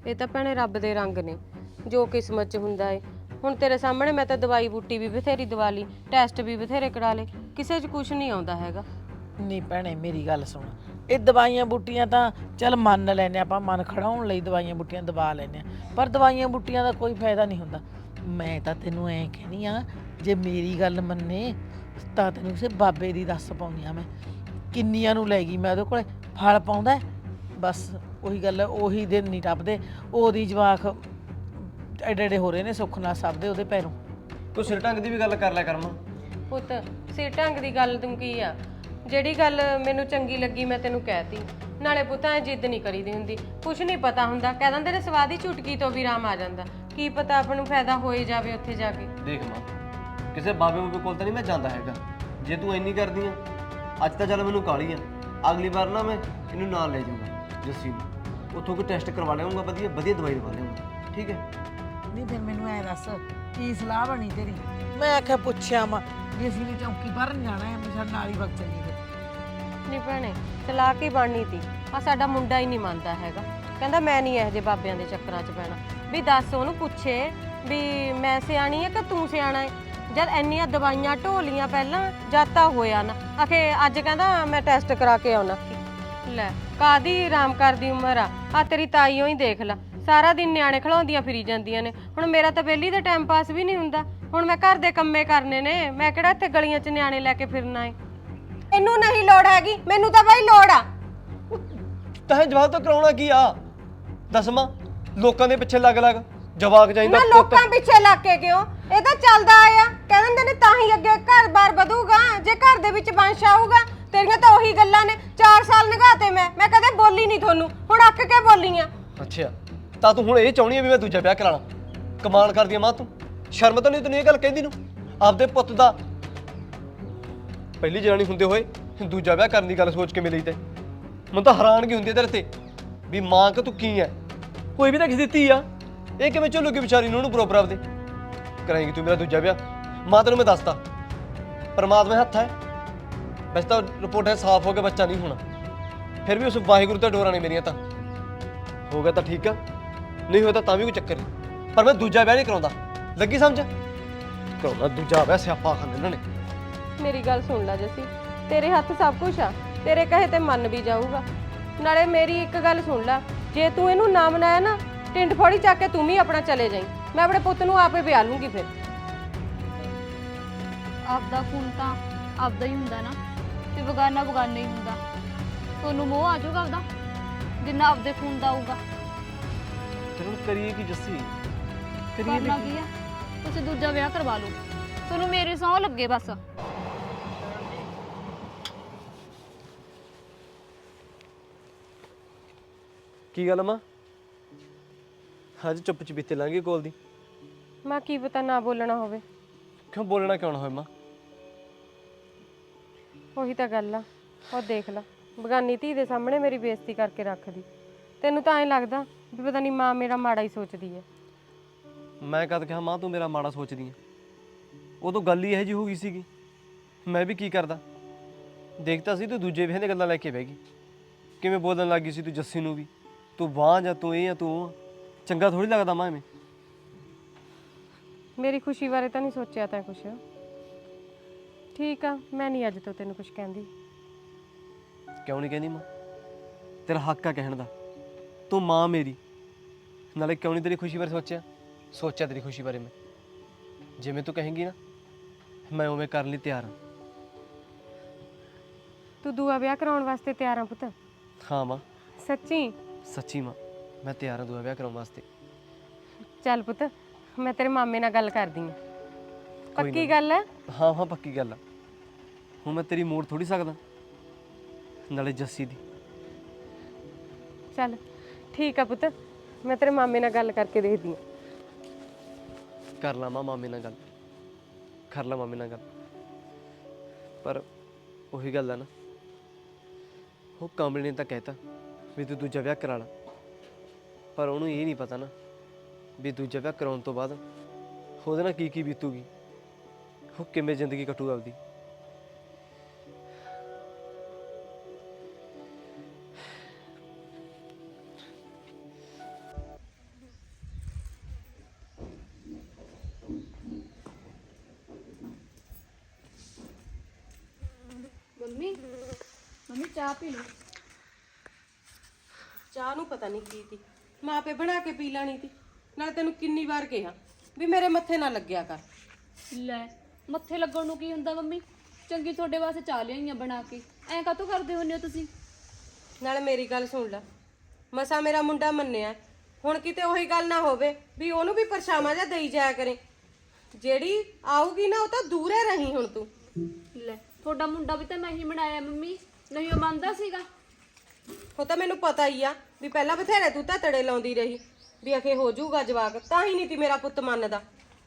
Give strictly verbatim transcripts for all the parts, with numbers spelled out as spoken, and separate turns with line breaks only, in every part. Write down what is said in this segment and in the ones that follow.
ਇਹ ਤਾਂ ਭੈਣੇ ਰੱਬ ਦੇ ਰੰਗ ਨੇ, ਜੋ ਕਿਸਮਤ 'ਚ ਹੁੰਦਾ ਏ। ਹੁਣ ਤੇਰੇ ਸਾਹਮਣੇ ਮੈਂ ਤਾਂ ਦਵਾਈ ਬੂਟੀ ਵੀ ਬਥੇਰੀ ਦਵਾ ਲਈ, ਟੈਸਟ ਵੀ ਬਥੇਰੇ ਕਰਾ ਲਏ, ਕਿਸੇ 'ਚ ਕੁਝ ਨਹੀਂ ਆਉਂਦਾ ਹੈਗਾ।
ਨਹੀਂ ਭੈਣੇ ਮੇਰੀ ਗੱਲ ਸੁਣ, ਇਹ ਦਵਾਈਆਂ ਬੂਟੀਆਂ ਤਾਂ ਚੱਲ ਮੰਨ ਲੈਨੇ ਆਪਾਂ, ਮਨ ਖੜਾਉਣ ਲਈ ਦਵਾਈਆਂ ਬੂਟੀਆਂ ਦਵਾ ਲੈਨੇ ਆ, ਪਰ ਦਵਾਈਆਂ ਬੂਟੀਆਂ ਦਾ ਕੋਈ ਫਾਇਦਾ ਨਹੀਂ ਹੁੰਦਾ। ਮੈਂ ਤਾਂ ਤੈਨੂੰ ਐਂ ਕਹਿਨੀ ਆ, ਜੇ ਮੇਰੀ ਗੱਲ ਮੰਨੇ ਤਾਂ ਤੈਨੂੰ ਕਿਸੇ ਬਾਬੇ ਦੀ ਦੱਸ ਪਾਉਂਦੀ ਆ। ਮੈਂ ਕਿੰਨੀਆਂ ਨੂੰ ਲੈ ਗਈ ਮੈਂ ਉਹਦੇ ਕੋਲੇ, ਫਲ ਪਾਉਂਦਾ ਬਸ ਉਹੀ ਗੱਲ, ਉਹੀ ਦਿਨ ਨਹੀਂ ਟੱਪਦੇ, ਉਹਦੀ ਜਵਾਕ ਐਡੇ ਐਡੇ ਹੋ ਰਹੇ ਨੇ ਸੁੱਖ ਨਾਲ ਸਭ ਦੇ ਉਹਦੇ ਪੈਰੋਂ।
ਤੂੰ ਸਿਰ ਢੰਗ ਦੀ ਵੀ ਗੱਲ ਕਰ ਲਿਆ ਕਰ ਮਾਂ।
ਪੁੱਤ ਸਿਰ ਢੰਗ ਦੀ ਗੱਲ ਤੂੰ ਕੀ ਆ, ਜਿਹੜੀ ਗੱਲ ਮੈਨੂੰ ਚੰਗੀ ਲੱਗੀ ਮੈਂ ਤੈਨੂੰ ਕਹਿਤੀ। ਨਾਲੇ ਪੁੱਤ ਐ ਜਿੱਦ ਨਹੀਂ ਕਰੀਦੀ ਹੁੰਦੀ, ਕੁਛ ਨਹੀਂ ਪਤਾ ਹੁੰਦਾ, ਕਹਿ ਦਿੰਦੇ ਨੇ ਸਵਾਦ ਦੀ ਚੁਟਕੀ ਤੋਂ ਵੀ ਰਾਮ ਆ ਜਾਂਦਾ, ਕੀ ਪਤਾ ਆਪਾਂ ਨੂੰ ਫਾਇਦਾ ਹੋਏ ਜਾਵੇ ਉੱਥੇ ਜਾ ਕੇ।
ਦੇਖ ਮਾਂ, ਕਿਸੇ ਬਾਬੇ ਬੂਬੇ ਕੋਲ ਤਾਂ ਨਹੀਂ ਮੈਂ ਜਾਂਦਾ ਹੈਗਾ। ਜੇ ਤੂੰ ਇੰਨੀ ਕਰਦੀ ਆ, ਅੱਜ ਤਾਂ ਚੱਲ ਮੈਨੂੰ ਕਾਹਲੀ ਆ, ਅਗਲੀ ਵਾਰ ਨਾ ਮੈਂ ਇਹਨੂੰ ਨਾਲ ਲੈ ਜਾਊਂਗਾ ਜੱਸੀ ਨੂੰ, ਉੱਥੋਂ ਕੋਈ ਟੈਸਟ ਕਰਵਾ ਲਿਆਉਂਗਾ, ਵਧੀਆ ਵਧੀਆ ਦਵਾਈ ਦਵਾ ਲਿਆਉਂਗਾ, ਠੀਕ ਹੈ?
ਨਹੀਂ ਫਿਰ ਮੈਨੂੰ ਐ ਦੱਸ ਕੀ ਸਲਾਹ ਬਣੀ ਤੇਰੀ? ਮੈਂ ਆਖਿਆ ਪੁੱਛਿਆ ਮਾਂ ਵੀ ਅਸੀਂ ਵੀ ਚੌਂਕੀ ਭਰਨ ਜਾਣਾ ਹੈ, ਮੈਂ ਸਾਡੇ ਨਾਲ ਹੀ ਵਗ ਚੱਲੀ ਫਿਰ।
ਨਹੀਂ ਭੈਣੇ ਚਲਾ ਕੇ ਬਣਨੀ ਤੀ, ਆ ਸਾਡਾ ਮੁੰਡਾ ਹੀ ਨਹੀਂ ਮੰਨਦਾ ਹੈਗਾ, ਕਹਿੰਦਾ ਮੈਂ ਨਹੀਂ ਇਹੋ ਜਿਹੇ ਬਾਬਿਆਂ ਦੇ ਚੱਕਰਾਂ 'ਚ ਪੈਣਾ। ਵੀ ਦੱਸ ਉਹਨੂੰ ਪੁੱਛੇ ਵੀ ਮੈਂ ਸਿਆਣੀ ਹੈ ਕਿ ਤੂੰ ਸਿਆਣਾ ਹੈ? ਜਦ ਇੰਨੀਆਂ ਦਵਾਈਆਂ ਢੋਲੀਆਂ ਪਹਿਲਾਂ ਜਦ ਤਾਂ ਹੋਇਆ ਨਾ, ਆਖੇ ਅੱਜ ਕਹਿੰਦਾ ਮੈਂ ਟੈਸਟ ਕਰਾ ਕੇ ਆਉਣਾ। ਲੈ ਕਾਦੀ ਆਰਾਮ ਕਰਦੀ ਉਮਰ ਆ, ਆ ਤੇਰੀ ਤਾਈਓ ਹੀ ਦੇਖ ਲੈ, ਸਾਰਾ ਦਿਨ ਨਿਆਣੇ ਖਿਲਾਉਂਦੀਆਂ ਫਿਰੀ ਜਾਂਦੀਆਂ ਨੇ। ਹੁਣ ਮੇਰਾ ਤਾਂ ਵਿਹਲੀ ਦਾ ਟਾਈਮ ਪਾਸ ਵੀ ਨਹੀਂ ਹੁੰਦਾ, ਹੁਣ ਮੈਂ ਘਰ ਦੇ ਕੰਮੇ ਕਰਨੇ ਨੇ, ਮੈਂ ਕਿਹੜਾ ਇੱਥੇ ਗਲੀਆਂ 'ਚ ਨਿਆਣੇ ਲੈ ਕੇ ਫਿਰਨਾ ਏ। ਇਹਨੂੰ ਨਹੀਂ ਲੋੜ ਹੈਗੀ, ਮੈਨੂੰ ਤਾਂ ਬਾਈ ਲੋੜ ਆ।
ਤਾਂ ਜਵਾਬ ਤਾਂ ਕਰਾਉਣਾ ਕੀ ਆ? ਦੱਸ ਮਾਂ, ਲੋਕਾਂ ਦੇ ਪਿੱਛੇ ਲੱਗ ਲੱਗ ਜਵਾਕ ਚਾਹੀਦਾ।
ਨਾ ਲੋਕਾਂ ਪਿੱਛੇ ਲੱਗ ਕੇ ਕਿਉਂ, ਇਹ ਤਾਂ ਚੱਲਦਾ ਆਇਆ, ਕਹਿ ਦਿੰਦੇ ਨੇ ਤਾਂ ਹੀ ਅੱਗੇ ਘਰ-ਬਾਰ ਵਧੂਗਾ, ਜੇ ਘਰ ਦੇ ਵਿੱਚ ਵੰਸ਼ ਆਊਗਾ। ਤੇਰੀਆਂ ਤਾਂ ਉਹੀ ਗੱਲਾਂ ਨੇ, ਚਾਰ ਸਾਲ ਨਗਾਤੇ ਮੈਂ ਮੈਂ ਕਦੇ ਬੋਲੀ ਨਹੀਂ ਤੁਹਾਨੂੰ, ਹੁਣ ਅੱਕ ਕੇ ਬੋਲੀ ਆ।
ਅੱਛਾ, ਤਾਂ ਤੂੰ ਹੁਣ ਇਹ ਚਾਹੁੰਦੀ ਹੈ ਵੀ ਮੈਂ ਦੂਜਾ ਵਿਆਹ ਕਰਾਣਾ? ਕਮਾਲ ਕਰਦੀ ਆ ਮਾਂ ਤੂੰ, ਸ਼ਰਮ ਤਾਂ ਨਹੀਂ ਤੈਨੂੰ ਇਹ ਗੱਲ ਕਹਿੰਦੀ ਨੂੰ? ਆਪਦੇ ਪੁੱਤ ਦਾ ਪਹਿਲੀ ਜਨਾਨੀ ਹੁੰਦੇ ਹੋਏ ਦੂਜਾ ਵਿਆਹ ਕਰਨ ਦੀ ਗੱਲ ਸੋਚ ਕੇ ਮਿਲੀ ਤੇ ਮੈਨੂੰ ਤਾਂ ਹੈਰਾਨਗੀ ਹੁੰਦੀ ਹੈ ਤੇਰੇ ਤੇ, ਵੀ ਮਾਂ ਕਿ ਤੂੰ ਕੀ ਹੈ? ਕੋਈ ਵੀ ਤਾਂ ਕਿਸੇ ਦੀ ਧੀ ਆ, ਇਹ ਕਿਵੇਂ ਝੱਲੂਗੀ ਵਿਚਾਰੀ ਨੂੰ ਉਹਨੂੰ ਬਰੋਬਰ ਆਪਦੇ? ਕਰਾਏਂਗੀ ਤੂੰ ਮੇਰਾ ਦੂਜਾ ਵਿਆਹ? ਮਾਂ ਤੈਨੂੰ ਮੈਂ ਦੱਸਤਾ, ਪਰਮਾਤਮਾ ਦੇ ਹੱਥ ਹੈ। ਵੈਸੇ ਤਾਂ ਰਿਪੋਰਟ ਹੈ ਸਾਫ਼ ਹੋ ਕੇ ਬੱਚਾ ਨਹੀਂ ਹੋਣਾ, ਫਿਰ ਵੀ ਉਸ ਵਾਹਿਗੁਰੂ ਤੇ ਡੋਰਾਂ ਨੇ ਮੇਰੀਆਂ। ਤਾਂ ਹੋ ਗਿਆ ਤਾਂ ਠੀਕ ਆ, ਨਹੀਂ ਹੋਇਆ ਤਾਂ ਤਾਂ ਵੀ ਕੋਈ ਚੱਕਰ ਨਹੀਂ, ਪਰ ਮੈਂ ਦੂਜਾ ਵਿਆਹ ਨਹੀਂ ਕਰਾਉਂਦਾ, ਲੱਗੀ ਸਮਝ? ਕਰਾਉਂਦਾ ਦੂਜਾ ਵਿਆਹ, ਸਿਆਪਾ ਖਾਂਦੇ ਇਹਨਾਂ ਨੇ।
ਮੇਰੀ ਗੱਲ ਸੁਣ ਲੈ ਜੱਸੀ, ਤੇਰੇ ਹੱਥ ਸਭ ਕੁਝ ਆ, ਤੇਰੇ ਕਹੇ ਤੇ ਮੰਨ ਵੀ ਜਾਊਗਾ। ਨਾਲੇ ਮੇਰੀ ਇੱਕ ਗੱਲ ਸੁਣ ਲੈ, ਜੇ ਤੂੰ ਇਹਨੂੰ ਨਾ ਮਨਾਇਆ ਨਾ, ਟਿੰਡ ਫੋੜੀ ਚੱਕ ਕੇ ਤੂੰ ਵੀ ਆਪਣਾ ਚਲੇ ਜਾਈਂ, ਮੈਂ ਆਪਣੇ ਪੁੱਤ ਨੂੰ ਆਪੇ ਵਿਆਹ ਲੂੰਗੀ। ਫਿਰ
ਆਪਦਾ ਖੂਨ ਤਾਂ ਆਪਦਾ ਹੀ ਹੁੰਦਾ ਨਾ, ਤੇ ਬਗਾਨਾ ਬਗਾਨਾ ਹੀ ਹੁੰਦਾ। ਤੁਹਾਨੂੰ ਮੋਹ ਆ ਜਾਊਗਾ ਆਪਦਾ, ਜਿੰਨਾ ਆਪਦੇ ਖੂਨ ਦਾ ਆਊਗਾ।
ਤੇ ਹੁਣ ਕਰੀਏ ਕੀ ਜੱਸੀ, ਕਰੀਏ
ਕਰਨਾ ਕੀ ਆ, ਤੁਸੀਂ ਦੂਜਾ ਵਿਆਹ ਕਰਵਾ ਲਓ, ਤੁਹਾਨੂੰ ਮੇਰੇ ਸਹੁੰ ਲੱਗੇ ਬਸ।
ਕੀ ਗੱਲ ਮਾਂ, ਅੱਜ ਚੁੱਪ ਚਪੀਤੇ ਲਾਂਗੇ ਕੋਲ ਦੀ?
ਮੈਂ ਕੀ ਪਤਾ ਨਾ ਬੋਲਣਾ ਹੋਵੇ।
ਕਿਉਂ ਬੋਲਣਾ ਕਿਉਂ ਨਾ ਹੋਏ ਮਾਂ?
ਉਹੀ ਤਾਂ ਗੱਲ ਆ, ਉਹ ਦੇਖ ਲੈ ਬਗਾਨੀ ਧੀ ਦੇ ਸਾਹਮਣੇ ਮੇਰੀ ਬੇਇੱਜ਼ਤੀ ਕਰਕੇ ਰੱਖਦੀ। ਤੈਨੂੰ ਤਾਂ ਐਂ ਲੱਗਦਾ ਵੀ ਪਤਾ ਨਹੀਂ ਮਾਂ ਮੇਰਾ ਮਾੜਾ ਹੀ ਸੋਚਦੀ ਹੈ।
ਮੈਂ ਕਦ ਕਿਹਾ ਮਾਂ ਤੂੰ ਮੇਰਾ ਮਾੜਾ ਸੋਚਦੀ ਹੈ? ਉਦੋਂ ਗੱਲ ਹੀ ਇਹੋ ਜਿਹੀ ਹੋ ਗਈ ਸੀਗੀ, ਮੈਂ ਵੀ ਕੀ ਕਰਦਾ? ਦੇਖਤਾ ਸੀ ਤੂੰ ਦੂਜੇ ਵਿਆਹ ਦੀਆਂ ਗੱਲਾਂ ਲੈ ਕੇ ਬਹਿ ਗਈ, ਕਿਵੇਂ ਬੋਲਣ ਲੱਗ ਗਈ ਸੀ ਤੂੰ ਜੱਸੀ ਨੂੰ ਵੀ, ਤੂੰ ਵਾਹ ਜਾਂ ਤੂੰ ਇਹ ਆ ਤੂੰ ਉਹ। ਚੰਗਾ ਥੋੜੀ ਲੱਗਦਾ ਮਾਂ ਐਵੇਂ।
ਮੇਰੀ ਖੁਸ਼ੀ ਬਾਰੇ ਤਾਂ ਨਹੀਂ ਸੋਚਿਆ ਤੈਂ ਕੁਛ? ਠੀਕ ਆ, ਮੈਂ ਨਹੀਂ ਅੱਜ ਤੋਂ ਤੈਨੂੰ ਕੁਛ ਕਹਿੰਦੀ।
ਕਿਉਂ ਨਹੀਂ ਕਹਿੰਦੀ ਮਾਂ? ਤੇਰਾ ਹੱਕ ਆ ਕਹਿਣ ਦਾ, ਤੂੰ ਮਾਂ ਮੇਰੀ। ਨਾਲੇ ਕਿਉਂ ਨਹੀਂ ਤੇਰੀ ਖੁਸ਼ੀ ਬਾਰੇ ਸੋਚਿਆ? ਸੋਚਿਆ ਤੇਰੀ ਖੁਸ਼ੀ ਬਾਰੇ ਮੈਂ, ਜਿਵੇਂ ਤੂੰ ਕਹੇਂਗੀ ਨਾ ਮੈਂ ਉਵੇਂ ਕਰਨ ਲਈ ਤਿਆਰ ਹਾਂ।
ਤੂੰ ਦੂਆ ਵਿਆਹ ਕਰਾਉਣ ਵਾਸਤੇ ਤਿਆਰ ਆ ਪੁੱਤ?
ਹਾਂ ਮਾਂ,
ਸੱਚੀ?
ਸੱਚੀ ਮਾਂ, ਮੈਂ ਤਿਆਰ ਹਾਂ ਦੂਆ ਵਿਆਹ ਕਰਾਉਣ ਵਾਸਤੇ।
ਚੱਲ ਪੁੱਤ, ਮੈਂ ਤੇਰੇ ਮਾਮੇ ਨਾਲ ਗੱਲ ਕਰਦੀ ਹਾਂ। ਪੱਕੀ ਗੱਲ ਹੈ?
ਹਾਂ ਹਾਂ ਪੱਕੀ ਗੱਲ ਆ। ਹੁਣ ਮੈਂ ਤੇਰੀ ਮੋੜ ਥੋੜੀ ਸਕਦਾ, ਨਾਲੇ ਜੱਸੀ ਦੀ।
ਚੱਲ ਠੀਕ ਆ ਪੁੱਤ, ਮੈਂ ਤੇਰੇ ਮਾਮੇ ਨਾਲ ਗੱਲ ਕਰਕੇ ਦੇਖਦੀ ਹਾਂ।
ਕਰ ਲਾ ਮਾਂ ਮਾਮੇ ਨਾਲ ਗੱਲ, ਕਰ ਲਾ ਮਾਮੇ ਨਾਲ ਗੱਲ। ਪਰ ਉਹੀ ਗੱਲ ਆ ਨਾ, ਉਹ ਕਮਲ ਨੇ ਤਾਂ ਕਹਿਤਾ ਵੀ ਤੂੰ ਦੂਜਾ ਵਿਆਹ ਕਰਾ ਲਾ, ਪਰ ਉਹਨੂੰ ਇਹ ਨਹੀਂ ਪਤਾ ਨਾ ਵੀ ਦੂਜਾ ਵਿਆਹ ਕਰਾਉਣ ਤੋਂ ਬਾਅਦ ਉਹਦੇ ਨਾਲ ਕੀ ਕੀ ਬੀਤੂਗੀ, ਉਹ ਕਿਵੇਂ ਜ਼ਿੰਦਗੀ ਕੱਟੂਗਾ ਆਪਦੀ।
ਮੰਮੀ ਮੰਮੀ ਚਾਹ ਪੀ ਲਓ।
ਚਾਹ ਨੂੰ ਪਤਾ ਨਹੀਂ ਕੀ ਤੀ, ਮਾਪੇ ਬਣਾ ਕੇ ਪੀ ਲੈਣੀ ਤੀ। ਨਾਲੇ ਤੈਨੂੰ ਕਿੰਨੀ ਵਾਰ ਕਿਹਾ ਵੀ ਮੇਰੇ ਮੱਥੇ ਨਾ ਲੱਗਿਆ ਕਰ।
ਲੈ ਮੱਥੇ ਲੱਗਣ ਨੂੰ ਕੀ ਹੁੰਦਾ ਮੰਮੀ, ਚੰਗੀ ਤੁਹਾਡੇ ਵਾਸਤੇ ਚਾਹ ਲਿਆਈਆਂ ਬਣਾ ਕੇ, ਐਂ ਕਾਹਤੋਂ ਕਰਦੇ ਹੁੰਦੇ ਹੋ ਤੁਸੀਂ?
ਨਾਲੇ ਮੇਰੀ ਗੱਲ ਸੁਣ ਲੈ, ਮਸਾ ਮੇਰਾ ਮੁੰਡਾ ਮੰਨਿਆ, ਹੁਣ ਕਿਤੇ ਉਹੀ ਗੱਲ ਨਾ ਹੋਵੇ ਵੀ ਉਹਨੂੰ ਵੀ ਪਰਛਾਵਾਂ ਜਿਹਾ ਦੇਈ ਜਾਇਆ ਕਰੇ। ਜਿਹੜੀ ਆਊਗੀ ਨਾ ਉਹ ਤਾਂ ਦੂਰੇ ਰਹੀ ਹੁਣ ਤੂੰ।
ਲੈ ਤੁਹਾਡਾ ਮੁੰਡਾ ਵੀ ਤਾਂ ਮੈਂ ਹੀ ਬਣਾਇਆ ਮੰਮੀ, ਨਹੀਂ ਉਹ ਮੰਨਦਾ ਸੀਗਾ?
ਉਹ ਤਾਂ ਮੈਨੂੰ ਪਤਾ ਹੀ ਆ ਵੀ ਪਹਿਲਾਂ ਬਥੇਰੇ ਤੂੰ ਤਾਂ ਤੜੇ ਲਾਉਂਦੀ ਰਹੀ ਵੀ ਅਖੇ ਹੋ ਜਾਊਗਾ ਜਵਾਕ, ਤਾਂ ਹੀ ਨਹੀਂ ਤੀ ਮੇਰਾ ਪੁੱਤ ਮੰਨਦਾ।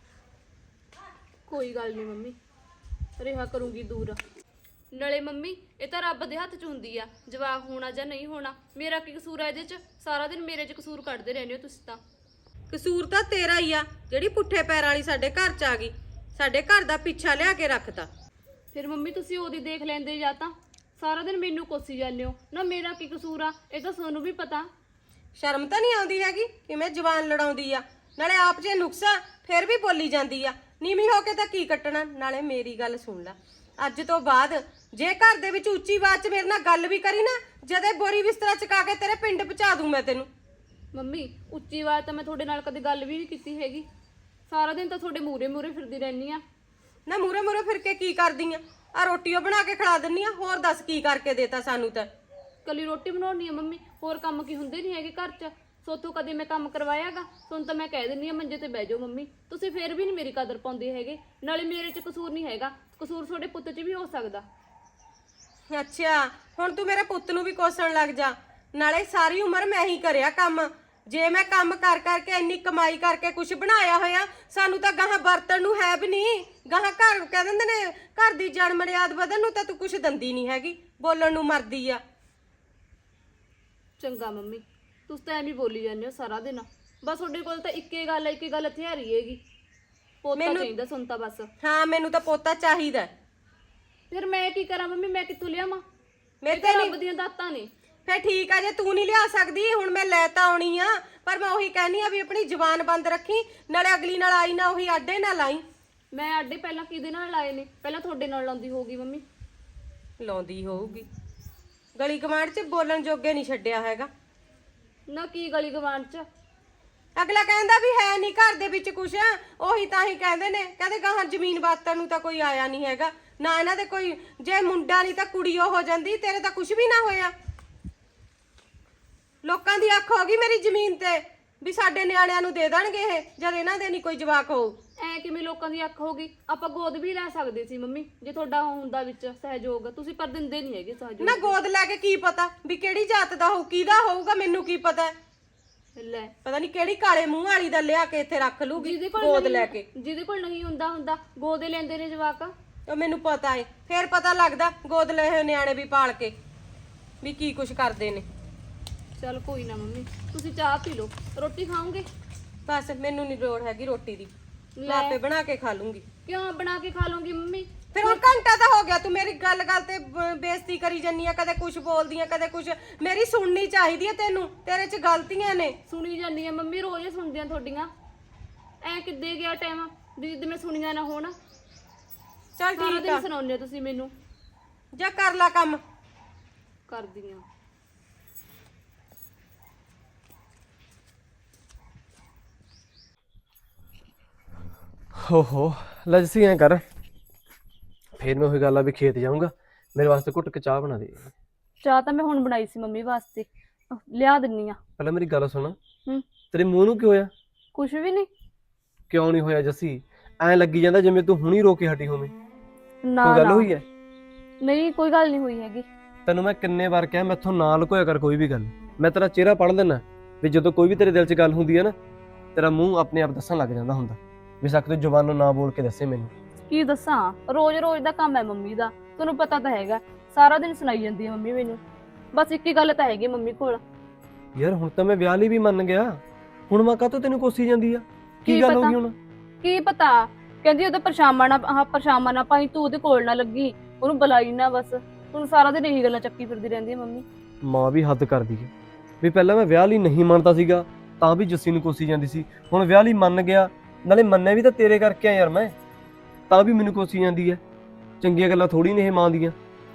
ਕੋਈ ਗੱਲ ਨਹੀਂ ਮੰਮੀ, ਰਿਹਾ ਕਰੂੰਗੀ ਦੂਰ। ਨਾਲੇ ਮੰਮੀ ਇਹ ਤਾਂ ਰੱਬ ਦੇ ਹੱਥ 'ਚ ਹੁੰਦੀ ਆ, ਜਵਾਕ ਹੋਣਾ ਜਾਂ ਨਹੀਂ ਹੋਣਾ। ਮੇਰਾ ਕੀ ਕਸੂਰ ਆ ਇਹਦੇ 'ਚ? ਸਾਰਾ ਦਿਨ ਮੇਰੇ 'ਚ ਕਸੂਰ ਕੱਢਦੇ ਰਹਿੰਦੇ ਹੋ ਤੁਸੀਂ ਤਾਂ।
ਕਸੂਰ ਤਾਂ ਤੇਰਾ ਹੀ ਆ, ਜਿਹੜੀ ਪੁੱਠੇ ਪੈਰਾਂ ਵਾਲੀ ਸਾਡੇ ਘਰ 'ਚ ਆ ਗਈ, ਸਾਡੇ ਘਰ ਦਾ ਪਿੱਛਾ ਲਿਆ ਕੇ ਰੱਖਤਾ।
ਫਿਰ ਮੰਮੀ ਤੁਸੀਂ ਉਹਦੀ ਦੇਖ ਲੈਂਦੇ ਜਾਂ ਤਾਂ ਸਾਰਾ ਦਿਨ ਮੈਨੂੰ ਕੋਸੀ ਜਾਂਦੇ ਹੋ ਨਾ। ਮੇਰਾ ਕੀ ਕਸੂਰ ਆ, ਇਹ ਤਾਂ ਤੁਹਾਨੂੰ ਵੀ ਪਤਾ।
ਸ਼ਰਮ ਤਾਂ ਨਹੀਂ ਆਉਂਦੀ ਹੈਗੀ ਕਿਵੇਂ ਜਵਾਨ ਲੜਾਉਂਦੀ ਆ, ਨਾਲੇ ਆਪ ਜੇ ਨੁਕਸਾ ਫਿਰ ਵੀ ਬੋਲੀ ਜਾਂਦੀ ਆ। ਨੀਵੀਂ ਹੋ ਕੇ ਤਾਂ ਕੀ ਕੱਟਣਾ। ਨਾਲੇ ਮੇਰੀ ਗੱਲ ਸੁਣ ਲੈ, ਅੱਜ ਤੋਂ ਬਾਅਦ ਜੇ ਘਰ ਦੇ ਵਿੱਚ ਉੱਚੀ ਆਵਾਜ਼ 'ਚ ਮੇਰੇ ਨਾਲ ਗੱਲ ਵੀ ਕਰੀ ਨਾ, ਜਦੇ ਬੋਰੀ ਬਿਸਤਰਾ ਚਕਾ ਕੇ ਤੇਰੇ ਪਿੰਡ ਪਹੁੰਚਾ ਦੂੰ ਮੈਂ ਤੈਨੂੰ।
ਮੰਮੀ ਉੱਚੀ ਆਵਾਜ਼ ਤਾਂ ਮੈਂ ਤੁਹਾਡੇ ਨਾਲ ਕਦੇ ਗੱਲ ਵੀ ਨਹੀਂ ਕੀਤੀ ਹੈਗੀ। ਸਾਰਾ ਦਿਨ ਤਾਂ ਤੁਹਾਡੇ ਮੂਰੇ ਮੂਰੇ ਫਿਰਦੀ ਰਹਿੰਦੀ ਆ।
ਨਾ ਮੂਰੇ ਮੂਰੇ ਫਿਰ ਕੇ ਕੀ ਕਰਦੀ ਆ? ਆ ਰੋਟੀ ਉਹ ਬਣਾ ਕੇ ਖਿਲਾ ਦਿੰਨੀ ਆ, ਹੋਰ ਦੱਸ ਕੀ ਕਰਕੇ ਦੇਤਾ ਸਾਨੂੰ ਤਾਂ।
ਕੱਲੀ ਰੋਟੀ ਬਣਾਉਣੀ ਆ ਮੰਮੀ, ਹੋਰ ਕੰਮ ਕੀ ਹੁੰਦੇ ਨਹੀਂ ਹੈਗੇ ਘਰ 'ਚ? ਸੋਥੋਂ ਕਦੇ ਮੈਂ ਕੰਮ ਕਰਵਾਇਆਗਾ? ਤੁਹਾਨੂੰ ਤਾਂ ਮੈਂ ਕਹਿ ਦਿੰਨੀ ਆ ਮੰਜੇ ਤੇ ਬਹਿ ਜਾਓ ਮੰਮੀ, ਤੁਸੀਂ ਫੇਰ ਵੀ ਨਹੀਂ ਮੇਰੀ ਕਦਰ ਪਾਉਂਦੇ ਹੈਗੇ। ਨਾਲੇ ਮੇਰੇ 'ਚ ਕਸੂਰ ਨਹੀਂ ਹੈਗਾ, ਕਸੂਰ ਤੁਹਾਡੇ ਪੁੱਤ 'ਚ ਵੀ ਹੋ ਸਕਦਾ।
ਅੱਛਾ ਹੁਣ ਤੂੰ ਮੇਰੇ ਪੁੱਤ ਨੂੰ ਵੀ ਕੋਸਣ ਲੱਗ ਜਾ। ਨਾਲੇ ਸਾਰੀ ਉਮਰ ਮੈਂ ਹੀ ਕਰਿਆ ਕੰਮ, ਜੇ ਮੈਂ ਕੰਮ ਕਰ ਕਰਕੇ ਇੰਨੀ ਕਮਾਈ ਕਰਕੇ ਕੁਝ ਬਣਾਇਆ ਹੋਇਆ, ਸਾਨੂੰ ਤਾਂ ਗਾਹਾਂ ਵਰਤਣ ਨੂੰ ਹੈ ਵੀ ਨਹੀਂ। ਗਾਹਾਂ ਘਰ ਕਹਿ ਦਿੰਦੇ ਨੇ ਘਰ ਦੀ ਜੜ ਮਰਿਆਦ ਵਧਣ ਨੂੰ ਤਾਂ ਤੂੰ ਕੁਝ ਦੰਦੀ ਨਹੀਂ ਹੈਗੀ, ਬੋਲਣ ਨੂੰ ਮਰਦੀ ਆ।
ਚੰਗਾ ਮੰਮੀ, ਤੁਸੀਂ ਤਾਂ ਐਵੇਂ ਬੋਲੀ ਜਾਂਦੇ ਹੋ ਸਾਰਾ ਦਿਨ। ਬਸ ਤੁਹਾਡੇ ਕੋਲ ਤਾਂ ਇੱਕੇ ਗੱਲ ਹੈ, ਇੱਕੇ ਗੱਲ ਹਥਿਆਰੀ ਹੈਗੀ, ਪੋਤਾ ਚਾਹੀਦਾ ਸੁਣਤਾ ਬਸ।
ਹਾਂ ਮੈਨੂੰ ਤਾਂ ਪੋਤਾ ਚਾਹੀਦਾ।
ਫਿਰ ਮੈਂ ਕੀ ਕਰਾਂ ਮੰਮੀ, ਮੈਂ ਕਿੱਥੋਂ ਲਿਆਵਾਂ?
ਮੇਰੇ
ਇਹ ਤਾਂ
ਤੇ
ਰੱਬ ਦੀਆਂ ਦਾਤਾਂ ਨੇ।
ਫੇ ਠੀਕ ਆ, ਜੇ ਤੂੰ ਨਹੀਂ ਲਿਆ ਸਕਦੀ ਹੁਣ ਮੈਂ ਲੈ ਤਾਂ ਆਉਣੀ ਆ, ਪਰ ਮੈਂ ਉਹੀ ਕਹਿਨੀ ਆ ਵੀ ਆਪਣੀ ਜ਼ੁਬਾਨ ਬੰਦ ਰੱਖੀ, ਨਾਲੇ ਅਗਲੀ ਨਾਲ ਆਈ ਨਾ ਉਹੀ ਆਡੇ ਨਾ ਲਾਈ।
ਮੈਂ ਆਡੇ ਪਹਿਲਾਂ ਕਿਹਦੇ ਨਾਲ ਲਾਏ ਨੇ? ਪਹਿਲਾਂ ਤੁਹਾਡੇ ਨਾਲ ਲਾਉਂਦੀ ਹੋਊਗੀ ਮੰਮੀ।
ਲਾਉਂਦੀ ਹੋਊਗੀ, ਗਲੀ ਗਵਾਂਢ 'ਚ ਬੋਲਣ ਜੋਗੇ ਨਹੀਂ ਛੱਡਿਆ ਹੈਗਾ।
ਨਾ ਕੀ ਗਲੀ ਗਵਾਂਢ 'ਚ?
ਅਗਲਾ ਕਹਿੰਦਾ ਵੀ ਹੈ ਨਹੀਂ ਘਰ ਦੇ ਵਿੱਚ ਕੁਛ, ਉਹੀ ਤਾਂ ਹੀ ਕਹਿੰਦੇ ਨੇ, ਕਹਿੰਦੇ ਗਾਹਾਂ ਜ਼ਮੀਨ ਬਾਤਾਂ ਨੂੰ ਤਾਂ ਕੋਈ ਆਇਆ ਨਹੀਂ ਹੈਗਾ ਨਾ ਇਹਨਾਂ ਦੇ ਕੋਈ। ਜੇ ਮੁੰਡਾ ਨਹੀਂ ਤਾਂ ਕੁੜੀ ਉਹ ਹੋ ਜਾਂਦੀ, ਤੇਰੇ ਤਾਂ ਕੁਛ ਵੀ ਨਾ ਹੋਇਆ। ਲੋਕਾਂ ਦੀ ਅੱਖ ਹੋ ਗਈ ਮੇਰੀ ਜ਼ਮੀਨ ਤੇ ਵੀ ਸਾਡੇ ਨਿਆਣਿਆਂ ਨੂੰ ਦੇ ਦੇਣਗੇ ਇਹ, ਜਦ ਇਹਨਾਂ ਦੇ ਨਹੀਂ ਕੋਈ ਜਵਾਕ ਹੋਊ।
ਐ ਕਿਵੇਂ ਲੋਕਾਂ ਦੀ ਅੱਖ ਹੋ ਗਈ? ਆਪਾਂ ਗੋਦ ਵੀ ਲੈ ਸਕਦੇ ਸੀ ਮੰਮੀ, ਜੇ ਤੁਹਾਡਾ ਹੁੰਦਾ ਵਿੱਚ ਸਹਿਯੋਗ। ਤੁਸੀਂ ਪਰ ਦਿੰਦੇ ਨਹੀਂ ਹੈਗੇ ਸਹਿਯੋਗ।
ਨਾ ਗੋਦ ਲੈ ਕੇ ਕੀ ਪਤਾ ਵੀ ਕਿਹੜੀ ਜਾਤ ਦਾ ਹੋਊ, ਕਿਹਦਾ ਹੋਊਗਾ, ਮੈਨੂੰ ਕੀ ਪਤਾ।
ਲੈ
ਪਤਾ ਨਹੀਂ ਕਿਹੜੀ ਕਾਲੇ ਮੂੰਹ ਵਾਲੀ ਦਾ ਲਿਆ ਕੇ ਇੱਥੇ ਰੱਖ ਲੂਗੀ ਗੋਦ ਲੈ ਕੇ।
ਜਿਹਦੇ ਕੋਲ ਨਹੀਂ ਹੁੰਦਾ ਹੁੰਦਾ ਗੋਦੇ ਲੈਂਦੇ ਨੇ ਜਵਾਕ।
ਉਹ ਮੈਨੂੰ ਪਤਾ ਏ, ਫੇਰ ਪਤਾ ਲੱਗਦਾ ਗੋਦ ਲਏ ਹੋਏ ਨਿਆਣੇ ਵੀ ਪਾਲ ਕੇ ਵੀ ਕੀ ਕੁਛ ਕਰਦੇ ਨੇ।
ਚਲ ਕੋਈ ਨਾ ਮੰਮੀ, ਤੁਸੀਂ ਚਾਹ ਪੀ ਲਓ। ਰੋਟੀ ਖਾਓਗੇ?
ਬਸ ਮੈਨੂੰ ਨਹੀਂ ਲੋੜ ਹੈਗੀ ਰੋਟੀ ਦੀ, ਮੈਂ ਆਪੇ ਬਣਾ ਕੇ ਖਾ ਲੂੰਗੀ।
ਕਿਉਂ ਬਣਾ ਕੇ ਖਾ ਲਓਗੀ ਮੰਮੀ?
ਫਿਰ ਹੁਣ ਘੰਟਾ ਤਾਂ ਹੋ ਗਿਆ ਤੂੰ ਮੇਰੀ ਗੱਲ ਗੱਲ ਤੇ ਬ- ਬੇਇੱਜ਼ਤੀ ਕਰੀ ਜੰਨੀ ਆ, ਕਦੇ ਕੁਝ ਬੋਲਦੀ ਆ ਕਦੇ ਕੁਝ। ਮੇਰੀ ਸੁਣਨੀ ਚਾਹੀਦੀ ਹੈ ਤੈਨੂੰ, ਤੇਰੇ 'ਚ ਗਲਤੀਆਂ ਨੇ।
ਸੁਣੀ ਜਾਂਦੀ ਆ ਮੰਮੀ, ਰੋਜ਼ ਹੀ ਸੁਣਦੀਆਂ ਤੁਹਾਡੀਆਂ। ਐ ਕਿੱਦੇ ਗਿਆ ਟਾਈਮ ਵੀ ਜਿੱਦ ਮੈਂ ਸੁਣੀਆਂ ਨਾ ਹੋਣ?
ਚੱਲ
ਸਾਰਾ
ਠੀਕ
ਦਿਨ
ਆ,
ਸੁਣਾਉਂਦੇ ਹੋ ਤੁਸੀਂ ਮੈਨੂੰ।
ਜਾ ਕਰ ਲਾ ਕੰਮ।
ਕਰਦੀਆਂ
ਹੋ ਹੋ ਲੱਜਸੀ ਐ ਕਰ, ਫੇਰ ਮੈਂ ਉਹੀ ਗੱਲ ਆ ਵੀ ਖੇਤ ਜਾਊਂਗਾ, ਮੇਰੇ ਵਾਸਤੇ ਘੁੱਟ ਕੇ ਚਾਹ ਬਣਾ ਦੇ।
ਚਾਹ ਤਾਂ ਮੈਂ ਹੁਣ ਬਣਾਈ ਸੀ ਮੰਮੀ ਵਾਸਤੇ, ਲਿਆ ਦਿੰਨੀ ਆ।
ਪਹਿਲਾਂ ਮੇਰੀ ਗੱਲ ਸੁਣ,
ਹੂੰ
ਤੇਰੇ ਮੂੰਹ ਨੂੰ ਕੀ ਹੋਇਆ?
ਕੁਛ ਵੀ ਨਹੀਂ।
ਕਿਉਂ ਨਹੀਂ ਹੋਇਆ ਜੱਸੀ? ਐਂ ਲੱਗੀ ਜਾਂਦਾ ਜਿਵੇਂ ਤੂੰ ਹੁਣੀ ਰੋ ਕੇ ਹਟੀ ਹੋਵੇਂ।
ਨਾ
ਕੋਈ ਗੱਲ
ਨਾ,
ਹੋਈ ਐ?
ਨਹੀਂ ਕੋਈ ਗੱਲ ਨਹੀਂ ਹੋਈ ਹੈਗੀ।
ਤੈਨੂੰ ਮੈਂ ਕਿੰਨੇ ਵਾਰ ਕਿਹਾ ਮੈਥੋਂ ਨਾ ਲੁਕੋਇਆ ਕਰ ਕੋਈ ਵੀ ਗੱਲ। ਮੈਂ ਤੇਰਾ ਚਿਹਰਾ ਪੜ੍ਹ ਲੈਣਾ ਵੀ ਜਦੋਂ ਕੋਈ ਵੀ ਤੇਰੇ ਦਿਲ 'ਚ ਗੱਲ ਹੁੰਦੀ ਹੈ ਨਾ, ਤੇਰਾ ਮੂੰਹ ਆਪਣੇ ਆਪ ਦੱਸਣ ਲੱਗ ਜਾਂਦਾ ਹੁੰਦਾ। ਬੇਸ਼ੱਕ ਤੂੰ ਜ਼ੁਬਾਨੋਂ ਨਾ ਬੋਲ ਕੇ ਦੱਸੇ ਮੈਨੂੰ।
ਕੀ ਦੱਸਾਂ, ਰੋਜ਼ ਰੋਜ਼ ਦਾ ਕੰਮ ਹੈ ਮੰਮੀ ਦਾ, ਤੁਹਾਨੂੰ ਪਤਾ ਤਾਂ ਹੈਗਾ। ਸਾਰਾ ਦਿਨ ਸੁਣਾਈ ਜਾਂਦੀ ਹੈ ਮੰਮੀ ਮੈਨੂੰ। ਬਸ ਇੱਕ ਹੀ ਗੱਲ ਤਾਂ ਹੈਗੀ ਮੰਮੀ ਕੋਲ।
ਯਾਰ ਹੁਣ ਤਾਂ ਮੈਂ ਵਿਆਹ ਲਈ ਵੀ ਮੰਨ ਗਿਆ, ਹੁਣ ਮੈਂ ਕਾਹਤੋਂ ਤੈਨੂੰ ਕੋਸੀ ਜਾਂਦੀ ਆ? ਕੀ
ਕੀ
ਗੱਲ ਹੋ
ਪਤਾ?
ਗਈ ਹੁਣ?
ਕੀ ਪਤਾ, ਕਹਿੰਦੀ ਉਹਦਾ ਪਰਛਾਵਾਂ ਨਾ ਆਹ ਪਰਛਾਵਾਂ ਨਾ ਪਾਈ, ਤੂੰ ਉਹਦੇ ਕੋਲ ਨਾ ਲੱਗੀ, ਉਹਨੂੰ ਬੁਲਾਈ ਨਾ। ਬਸ ਹੁਣ ਸਾਰਾ ਦਿਨ ਇਹੀ ਗੱਲਾਂ ਚੱਕੀ ਫਿਰਦੀ ਰਹਿੰਦੀ ਹੈ ਮੰਮੀ।
ਮਾਂ ਵੀ ਹੱਦ ਕਰਦੀ ਹੈ ਵੀ ਪਹਿਲਾਂ ਮੈਂ ਵਿਆਹ ਲਈ ਨਹੀਂ ਮੰਨਦਾ ਸੀਗਾ ਤਾਂ ਵੀ ਜੱਸੀ ਨੂੰ ਕੋਸੀ ਜਾਂਦੀ ਸੀ, ਹੁਣ ਵਿਆਹ ਲਈ ਮੰਨ ਗਿਆ, ਨਾਲੇ ਮੰਨਿਆ ਵੀ ਤਾਂ ਤੇਰੇ ਕਰਕੇ ਆ ਯਾਰ ਮੈਂ, ਤਾਂ ਵੀ ਮੈਨੂੰ ਕੋਸੀ ਜਾਂਦੀ ਹੈ। ਚੰਗੀਆਂ ਗੱਲਾਂ ਥੋੜੀ ਨੇ ਇਹ ਮਾਂ ਦੀਆਂ।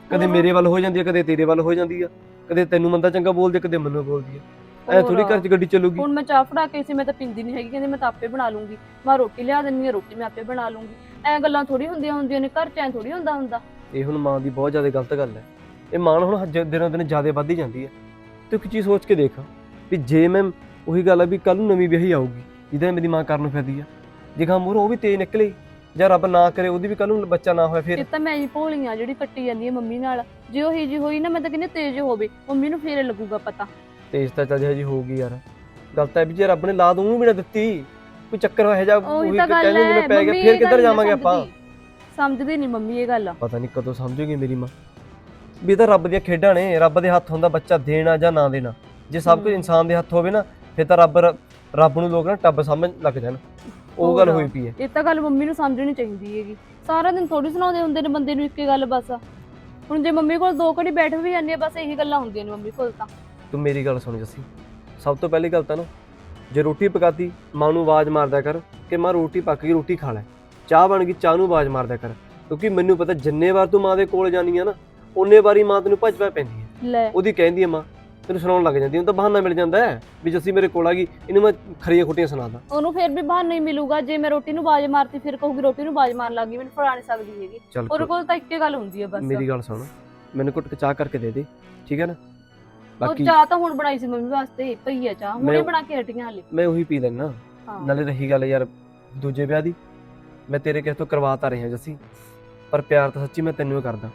ਕਦੇ ਮੇਰੇ ਵੱਲ ਹੋ ਜਾਂਦੀ ਆ, ਕਦੇ ਤੇਰੇ ਵੱਲ ਹੋ ਜਾਂਦੀ ਆ, ਕਦੇ ਤੈਨੂੰ ਮੰਦਾ ਚੰਗਾ ਬੋਲਦੀ ਆ, ਕਦੇ ਮੈਨੂੰ ਬੋਲਦੀ ਆ। ਐ ਥੋੜੀ ਘਰ 'ਚ ਗੱਡੀ ਚੱਲੂਗੀ।
ਹੁਣ ਮੈਂ ਚਾਹ ਫੜਾ ਕੇ ਸੀ, ਮੈਂ ਤਾਂ ਪੀਂਦੀ ਨਹੀਂ ਹੈਗੀ, ਕਹਿੰਦੀ ਮੈਂ ਤਾਂ ਆਪੇ ਬਣਾ ਲੂੰਗੀ। ਮੈਂ ਰੋਟੀ ਲਿਆ ਦਿੰਨੀ ਆ, ਰੋਟੀ ਮੈਂ ਆਪੇ ਬਣਾ ਲੂੰਗੀ। ਐ ਗੱਲਾਂ ਥੋੜੀ ਹੁੰਦੀਆਂ ਹੁੰਦੀਆਂ ਨੇ ਘਰ 'ਚ, ਐ ਥੋੜੀ ਹੁੰਦਾ ਹੁੰਦਾ।
ਇਹ ਹੁਣ ਮਾਂ ਦੀ ਬਹੁਤ ਜ਼ਿਆਦਾ ਗਲਤ ਗੱਲ ਹੈ। ਇਹ ਮਾਂ ਹੁਣ ਹਜੇ ਦਿਨੋਂ ਦਿਨ ਜ਼ਿਆਦਾ ਵੱਧਦੀ ਜਾਂਦੀ ਹੈ। ਤੂੰ ਇੱਕ ਚੀਜ਼ ਸੋਚ ਕੇ ਦੇਖ ਵੀ ਜੇ ਮੈਂ ਉਹੀ ਗੱਲ ਆ ਵੀ ਕੱਲ ਨੂੰ ਨਵੀਂ ਵਿਆਹੀ ਆਊਗੀ ਜਿਹਦਾ ਮੇਰੀ ਮਾਂ ਕਰਨ ਨੂੰ ਫਿਰਦੀ ਆ, ਜੇ ਖਾਂ ਮੂਹਰੋਂ ਉਹ ਵੀ ਤੇਜ਼ ਨਿਕਲੇ ਜਾਂ ਰੱਬ ਨਾ ਕਰੇ ਉਹਦੀ ਵੀ ਕੱਲ ਨੂੰ ਬੱਚਾ ਨਾ ਹੋਇਆ ਫਿਰ।
ਇਹ ਤਾਂ ਮੈਂ ਹੀ ਭੋਲੀ ਆ ਜਿਹੜੀ ਕੱਟੀ ਜਾਂਦੀ ਹੈ ਮੰਮੀ ਨਾਲ। ਜੇ ਉਹ ਹੀ ਜੀ ਹੋਈ ਨਾ, ਮੈਂ ਤਾਂ ਕਹਿੰਦੀ ਤੇਜ਼ ਹੋਵੇ, ਮੰਮੀ ਨੂੰ ਫੇਰ ਲੱਗੂਗਾ ਪਤਾ।
ਤੇਜ਼ ਤਾਂ ਚੱਲ ਜੀ ਹੋਊਗੀ ਯਾਰ, ਗੱਲ ਤਾਂ ਇਹ ਵੀ ਜੇ ਰੱਬ ਨੇ ਲਾਦ ਉਹਨੂੰ ਵੀ ਨਾ ਦਿੱਤੀ, ਕੋਈ ਚੱਕਰ ਹੋਇਆ ਜਾਂ
ਉਹੀ ਤਾਂ ਗੱਲ
ਕਹਿੰਦੇ
ਹੈ,
ਜਿਵੇਂ ਪੈ ਗਿਆ,
ਮੰਮੀ
ਫਿਰ
ਇਹ
ਕਿੱਧਰ
ਗੱਲ ਨੀ
ਜਾਵਾਂਗੇ ਆਪਾਂ।
ਸਮਝਦੀ ਨਹੀਂ ਮੰਮੀ ਇਹ ਗੱਲ।
ਪਤਾ ਨਹੀਂ ਕਦੋਂ ਸਮਝੂਗੀ ਮੇਰੀ ਮਾਂ ਵੀ ਇਹ ਤਾਂ ਰੱਬ ਦੀਆਂ ਖੇਡਾਂ ਨੇ, ਰੱਬ ਦੇ ਹੱਥ ਹੁੰਦਾ ਬੱਚਾ ਦੇਣਾ ਜਾਂ ਨਾ ਦੇਣਾ। ਜੇ ਸਭ ਕੁਝ ਇਨਸਾਨ ਦੇ ਹੱਥ ਹੋਵੇ ਨਾ, ਫਿਰ ਤਾਂ ਰੱਬ ਰੱਬ ਨੂੰ ਲੋਕ ਨਾ ਟੱਬ ਸਮਝ ਲੱਗ ਜਾਣ। ਉਹ ਗੱਲ ਹੋਈ ਪਈ ਹੈ।
ਇਹ ਤਾਂ ਗੱਲ ਮੰਮੀ ਨੂੰ ਸਮਝਣੀ ਚਾਹੀਦੀ ਹੈਗੀ। ਸਾਰਾ ਦਿਨ ਥੋੜੀ ਸੁਣਾਉਂਦੇ ਹੁੰਦੇ ਨੇ ਬੰਦੇ ਨੂੰ ਇੱਕ ਹੀ ਗੱਲ ਬਸ। ਹੁਣ ਜੇ ਮੰਮੀ ਕੋਲ ਦੋ ਘੜੀ ਬੈਠ ਵੀ ਜਾਂਦੀ ਆ, ਬਸ ਇਹੀ ਗੱਲਾਂ ਹੁੰਦੀਆਂ ਨੇ ਮੰਮੀ ਕੋਲ ਤਾਂ।
ਤੂੰ ਮੇਰੀ ਗੱਲ ਸੁਣ ਜੱਸੀ, ਸਭ ਤੋਂ ਪਹਿਲੀ ਗੱਲ ਤਾਂ ਨਾ, ਜੇ ਰੋਟੀ ਪਕਾਤੀ ਮਾਂ ਨੂੰ ਆਵਾਜ਼ ਮਾਰਦਾ ਕਰ ਕਿ ਮਾਂ ਰੋਟੀ ਪੱਕ ਗਈ, ਰੋਟੀ ਖਾ ਲੈ। ਚਾਹ ਬਣ ਗਈ, ਚਾਹ ਨੂੰ ਆਵਾਜ਼ ਮਾਰਦਾ ਕਰ, ਕਿਉਂਕਿ ਮੈਨੂੰ ਪਤਾ ਜਿੰਨੇ ਵਾਰ ਤੂੰ ਮਾਂ ਦੇ ਕੋਲ ਜਾਨੀ ਆ ਨਾ, ਓਨੇ ਵਾਰੀ ਮਾਂ ਤੈਨੂੰ ਭੱਜ ਪੈ ਪੈਂਦੀ ਹੈ।
ਲੈ
ਉਹਦੀ ਕਹਿੰਦੀ ਹੈ ਮਾਂ, ਤੈਨੂੰ ਸੁਣਾਉਣ ਲੱਗ ਜਾਂਦੀ, ਉਹਨੂੰ ਤਾਂ ਬਹਾਨਾ ਮਿਲ ਜਾਂਦਾ ਹੈ ਵੀ ਜੱਸੀ ਮੇਰੇ ਕੋਲ ਆ ਗਈ, ਇਹਨੂੰ ਮੈਂ ਖਰੀਆਂ ਖੁੱਟੀਆਂ ਸੁਣਾਦਾ।
ਉਹਨੂੰ ਫਿਰ ਵੀ ਬਹਾਨਾ ਹੀ ਮਿਲੂਗਾ। ਜੇ ਮੈਂ ਰੋਟੀ ਨੂੰ ਆਵਾਜ਼ ਮਾਰਤੀ, ਫਿਰ ਕਹੂਗੀ ਰੋਟੀ ਨੂੰ ਆਵਾਜ਼ ਮਾਰਨ ਲੱਗੀ, ਮੈਨੂੰ ਫੜਾ ਨਹੀਂ ਸਕਦੀ ਹੈਗੀ।
ਚੱਲ
ਉਹਦੇ ਕੋਲ ਤਾਂ ਇੱਕੇ ਗੱਲ ਹੁੰਦੀ ਹੈ ਬਸ।
ਮੇਰੀ ਗੱਲ ਸੁਣ, ਮੈਨੂੰ ਘੁੱਟ ਕੇ ਚਾਹ ਕਰਕੇ ਦੇ ਦੇ, ਠੀਕ ਹੈ ਨਾ।
ਉਹ
ਬਾਕੀ
ਚਾਹ ਤਾਂ ਹੁਣ ਬਣਾਈ ਸੀ ਮੰਮੀ ਵਾਸਤੇ, ਪਈ ਹੈ ਚਾਹ, ਹੁਣੇ
ਮੈਂ-
ਬਣਾ ਕੇ ਹਟੀਆਂ ਹਾਲੇ।
ਮੈਂ ਉਹੀ ਪੀ ਲੈਣਾ।
ਹਾਂ।
ਨਾਲੇ ਰਹੀ ਗੱਲ ਯਾਰ ਦੂਜੇ ਵਿਆਹ ਦੀ, ਮੈਂ ਤੇਰੇ ਕਿਸੇ ਤੋਂ ਕਰਵਾ ਤਾਂ ਰਿਹਾ ਜੱਸੀ, ਪਰ ਪਿਆਰ ਤਾਂ ਸੱਚੀ ਮੈਂ ਤੈਨੂੰ ਹੀ ਕਰਦਾ।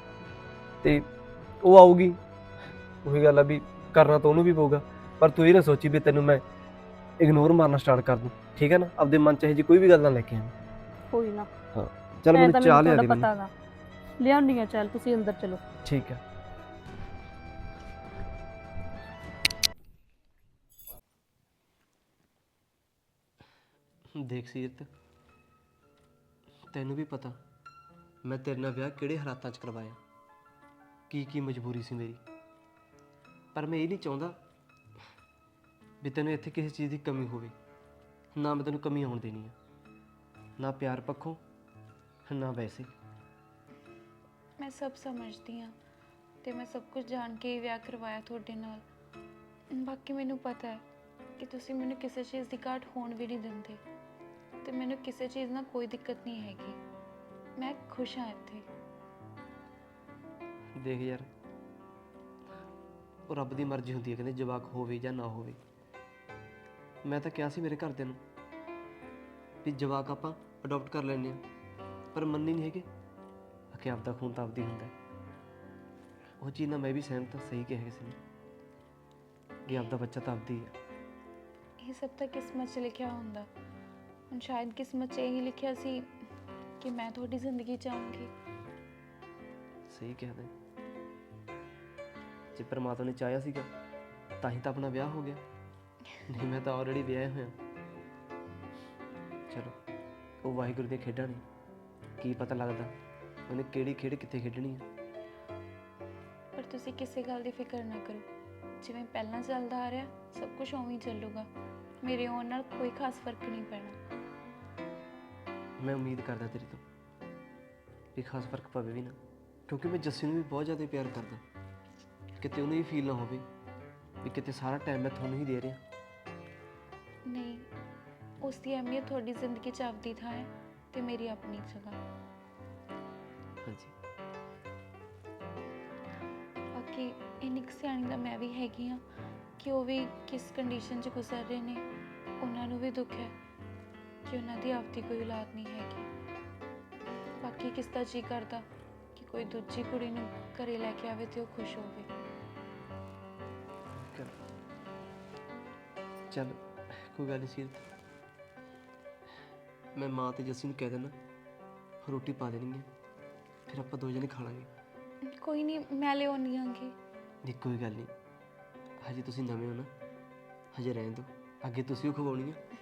ਤੇ ਉਹ ਆਊਗੀ, ਉਹੀ ਗੱਲ ਆ ਵੀ ਕਰਨਾ ਤਾਂ ਉਹਨੂੰ ਵੀ ਪਊਗਾ, ਪਰ ਤੂੰ ਇਹ ਨਾ ਸੋਚੀ ਵੀ ਤੈਨੂੰ ਮੈਂ ਇਗਨੋਰ ਮਾਰਨਾ ਸਟਾਰਟ ਕਰ ਦੂੰ, ਠੀਕ ਹੈ ਨਾ। ਆਪਦੇ ਮਨ 'ਚ ਇਹੋ ਜਿਹੀ ਕੋਈ ਵੀ ਗੱਲ ਨਾ ਲੈ ਕੇ ਆਵੇਂ।
ਕੋਈ ਨਾ,
ਹਾਂ ਚੱਲ
ਐਂ
ਮੈਨੂੰ
ਤਾਂ
ਚਾਹ ਲਿਆ ਦੇ
ਮੈਨੂੰ
ਮੈਨੂੰ।
ਪਤਾ ਗਾ। ਲਿਆਉਣੀ ਆ, ਚੱਲ ਤੁਸੀਂ ਅੰਦਰ ਚਲੋ।
ਠੀਕ ਹੈ। ਦੇਖ ਸੀਰਤ, ਤੈਨੂੰ ਵੀ ਪਤਾ ਮੈਂ ਤੇਰੇ ਨਾਲ ਵਿਆਹ ਕਿਹੜੇ ਹਾਲਾਤਾਂ 'ਚ ਕਰਵਾਇਆ, ਕੀ ਕੀ ਮਜਬੂਰੀ ਸੀ ਮੇਰੀ। ਪਰ ਮੈਂ ਇਹ ਨਹੀਂ ਚਾਹੁੰਦਾ ਵੀ ਤੈਨੂੰ ਇੱਥੇ ਕਿਸੇ ਚੀਜ਼ ਦੀ ਕਮੀ ਹੋਵੇ, ਨਾ ਮੈਂ ਤੈਨੂੰ ਕਮੀ ਆਉਣ ਦੇਣੀ ਆ, ਨਾ ਪਿਆਰ ਪੱਖੋਂ ਨਾ ਵੈਸੇ।
ਮੈਂ ਸਭ ਸਮਝਦੀ ਹਾਂ ਤੇ ਮੈਂ ਸਭ ਕੁਝ ਜਾਣ ਕੇ ਹੀ ਵਿਆਹ ਕਰਵਾਇਆ ਤੁਹਾਡੇ ਨਾਲ। ਬਾਕੀ ਮੈਨੂੰ ਪਤਾ ਹੈ ਕਿ ਤੁਸੀਂ ਮੈਨੂੰ ਕਿਸੇ ਚੀਜ਼ ਦੀ ਘਾਟ ਹੋਣ ਵੀ ਨਹੀਂ ਦਿੰਦੇ ਤੇ ਮੈਨੂੰ ਕਿਸੇ ਚੀਜ਼ ਨਾਲ ਕੋਈ ਦਿੱਕਤ ਨਹੀਂ ਹੈਗੀ। ਮੈਂ ਖੁਸ਼ ਹਾਂ ਇੱਥੇ।
ਦੇਖ ਯਾਰ, ਉਹ ਰੱਬ ਦੀ ਮਰਜ਼ੀ ਹੁੰਦੀ ਹੈ, ਕਹਿੰਦੇ ਜਵਾਕ ਹੋਵੇ ਜਾਂ ਨਾ ਹੋਵੇ। ਮੈਂ ਤਾਂ ਕਿਹਾ ਸੀ ਮੇਰੇ ਘਰਦਿਆਂ ਨੂੰ ਵੀ ਜਵਾਕ ਆਪਾਂ ਅਡਾਪਟ ਕਰ ਲੈਂਦੇ ਹਾਂ, ਪਰ ਮੰਨੀ ਨਹੀਂ ਹੈਗੇ ਕਿ ਆਪਦਾ ਖੂਨ ਤਾਂ ਆਪਦੀ ਹੁੰਦਾ। ਉਹ ਚੀਜ਼ ਨਾਲ ਮੈਂ ਵੀ ਸਹਿਮਤ ਹਾਂ, ਸਹੀ ਕਿਹਾ ਕਿਸੇ ਨੇ ਕਿ ਆਪਦਾ ਬੱਚਾ ਤਾਂ ਆਪਦੀ ਹੈ।
ਇਹ ਸਭ ਤਾਂ ਕਿਸਮਤ 'ਚ ਲਿਖਿਆ ਹੁੰਦਾ। ਹੁਣ ਸ਼ਾਇਦ ਕਿਸਮਤ 'ਚ ਇਹੀ ਲਿਖਿਆ ਸੀ ਕਿ ਮੈਂ ਤੁਹਾਡੀ ਜ਼ਿੰਦਗੀ 'ਚ ਆਊਂਗੀ।
ਸਹੀ ਕਿਹਾ ਤੈਂ। ਜੇ ਪਰਮਾਤਮਾ ਨੇ ਚਾਹਿਆ ਸੀਗਾ ਤਾਂ ਹੀ ਤਾਂ ਆਪਣਾ ਵਿਆਹ ਹੋ ਗਿਆ, ਨਹੀਂ ਮੈਂ ਤਾਂ ਆਲਰੇਡੀ ਵਿਆਹਿਆ ਹੋਇਆ। ਚਲੋ ਉਹ ਵਾਹਿਗੁਰੂ ਦੀਆਂ ਖੇਡਾਂ ਨੇ, ਕੀ ਪਤਾ ਲੱਗਦਾ ਉਹਨੇ ਕਿਹੜੀ ਖੇਡ ਕਿੱਥੇ ਖੇਡਣੀ ਆ।
ਪਰ ਤੁਸੀਂ ਕਿਸੇ ਗੱਲ ਦੀ ਫਿਕਰ ਨਾ ਕਰੋ, ਜਿਵੇਂ ਪਹਿਲਾਂ ਚੱਲਦਾ ਆ ਰਿਹਾ ਸਭ ਕੁਝ ਉਵੇਂ ਹੀ ਚੱਲੂਗਾ। ਮੇਰੇ ਆਉਣ ਨਾਲ ਕੋਈ ਖਾਸ ਫਰਕ ਨਹੀਂ ਪੈਣਾ।
ਮੈਂ ਉਮੀਦ ਕਰਦਾ ਤੇਰੇ ਤੋਂ ਵੀ ਖਾਸ ਫਰਕ ਪਵੇ ਵੀ ਨਾ, ਕਿਉਂਕਿ ਮੈਂ ਜੱਸੀ ਨੂੰ ਵੀ ਬਹੁਤ ਜ਼ਿਆਦਾ ਪਿਆਰ ਕਰਦਾ। ਕਿਤੇ ਉਹਨੂੰ ਵੀ ਫੀਲ ਨਾ ਹੋਵੇ ਵੀ ਕਿਤੇ ਸਾਰਾ ਟਾਈਮ ਮੈਂ ਤੁਹਾਨੂੰ ਹੀ ਦੇ ਰਿਹਾ।
ਨਹੀਂ, ਉਸ ਦੀ ਅਹਿਮੀਅਤ ਤੁਹਾਡੀ ਜ਼ਿੰਦਗੀ 'ਚ ਆਪਦੀ ਥਾਂ ਹੈ ਤੇ ਮੇਰੀ ਆਪਣੀ ਜਗ੍ਹਾ।
ਹਾਂਜੀ,
ਬਾਕੀ ਇੰਨੀ ਕੁ ਸਿਆਣੀ ਤਾਂ ਮੈਂ ਵੀ ਹੈਗੀ ਹਾਂ ਕਿ ਉਹ ਵੀ ਕਿਸ ਕੰਡੀਸ਼ਨ 'ਚ ਗੁਜ਼ਰ ਰਹੇ ਨੇ। ਉਹਨਾਂ ਨੂੰ ਵੀ ਦੁੱਖ ਹੈ ਕਿ ਉਹਨਾਂ ਦੀ ਆਪਦੀ ਕੋਈ ਔਲਾਦ ਨਹੀਂ ਹੈਗੀ। ਬਾਕੀ ਕਿਸ ਦਾ ਜੀ ਕਰਦਾ ਕਿ ਕੋਈ ਦੂਜੀ ਕੁੜੀ ਨੂੰ ਘਰੇ ਲੈ ਕੇ ਆਵੇ ਤੇ ਉਹ ਖੁਸ਼ ਹੋਵੇ।
ਚੱਲ ਕੋਈ ਗੱਲ ਨਹੀਂ ਸੀਰਤ, ਮੈਂ ਮਾਂ ਤੇ ਜੱਸੀ ਨੂੰ ਕਹਿ ਦੇਣਾ ਰੋਟੀ ਪਾ ਦੇਣੀ ਹੈ, ਫਿਰ ਆਪਾਂ ਦੋ ਜਣੇ ਖਾ ਲਾਂਗੇ।
ਕੋਈ ਨਹੀਂ, ਮੈਂ ਲਿਆਉਣੀ ਆਂਗੀ।
ਨਹੀਂ ਕੋਈ ਗੱਲ ਨਹੀਂ, ਹਜੇ ਤੁਸੀਂ ਨਵੇਂ ਹੋ ਨਾ, ਹਜੇ ਰਹਿਣ ਦਿਓ, ਅੱਗੇ ਤੁਸੀਂ ਉਹ ਖਵਾਉਣੀ ਆ।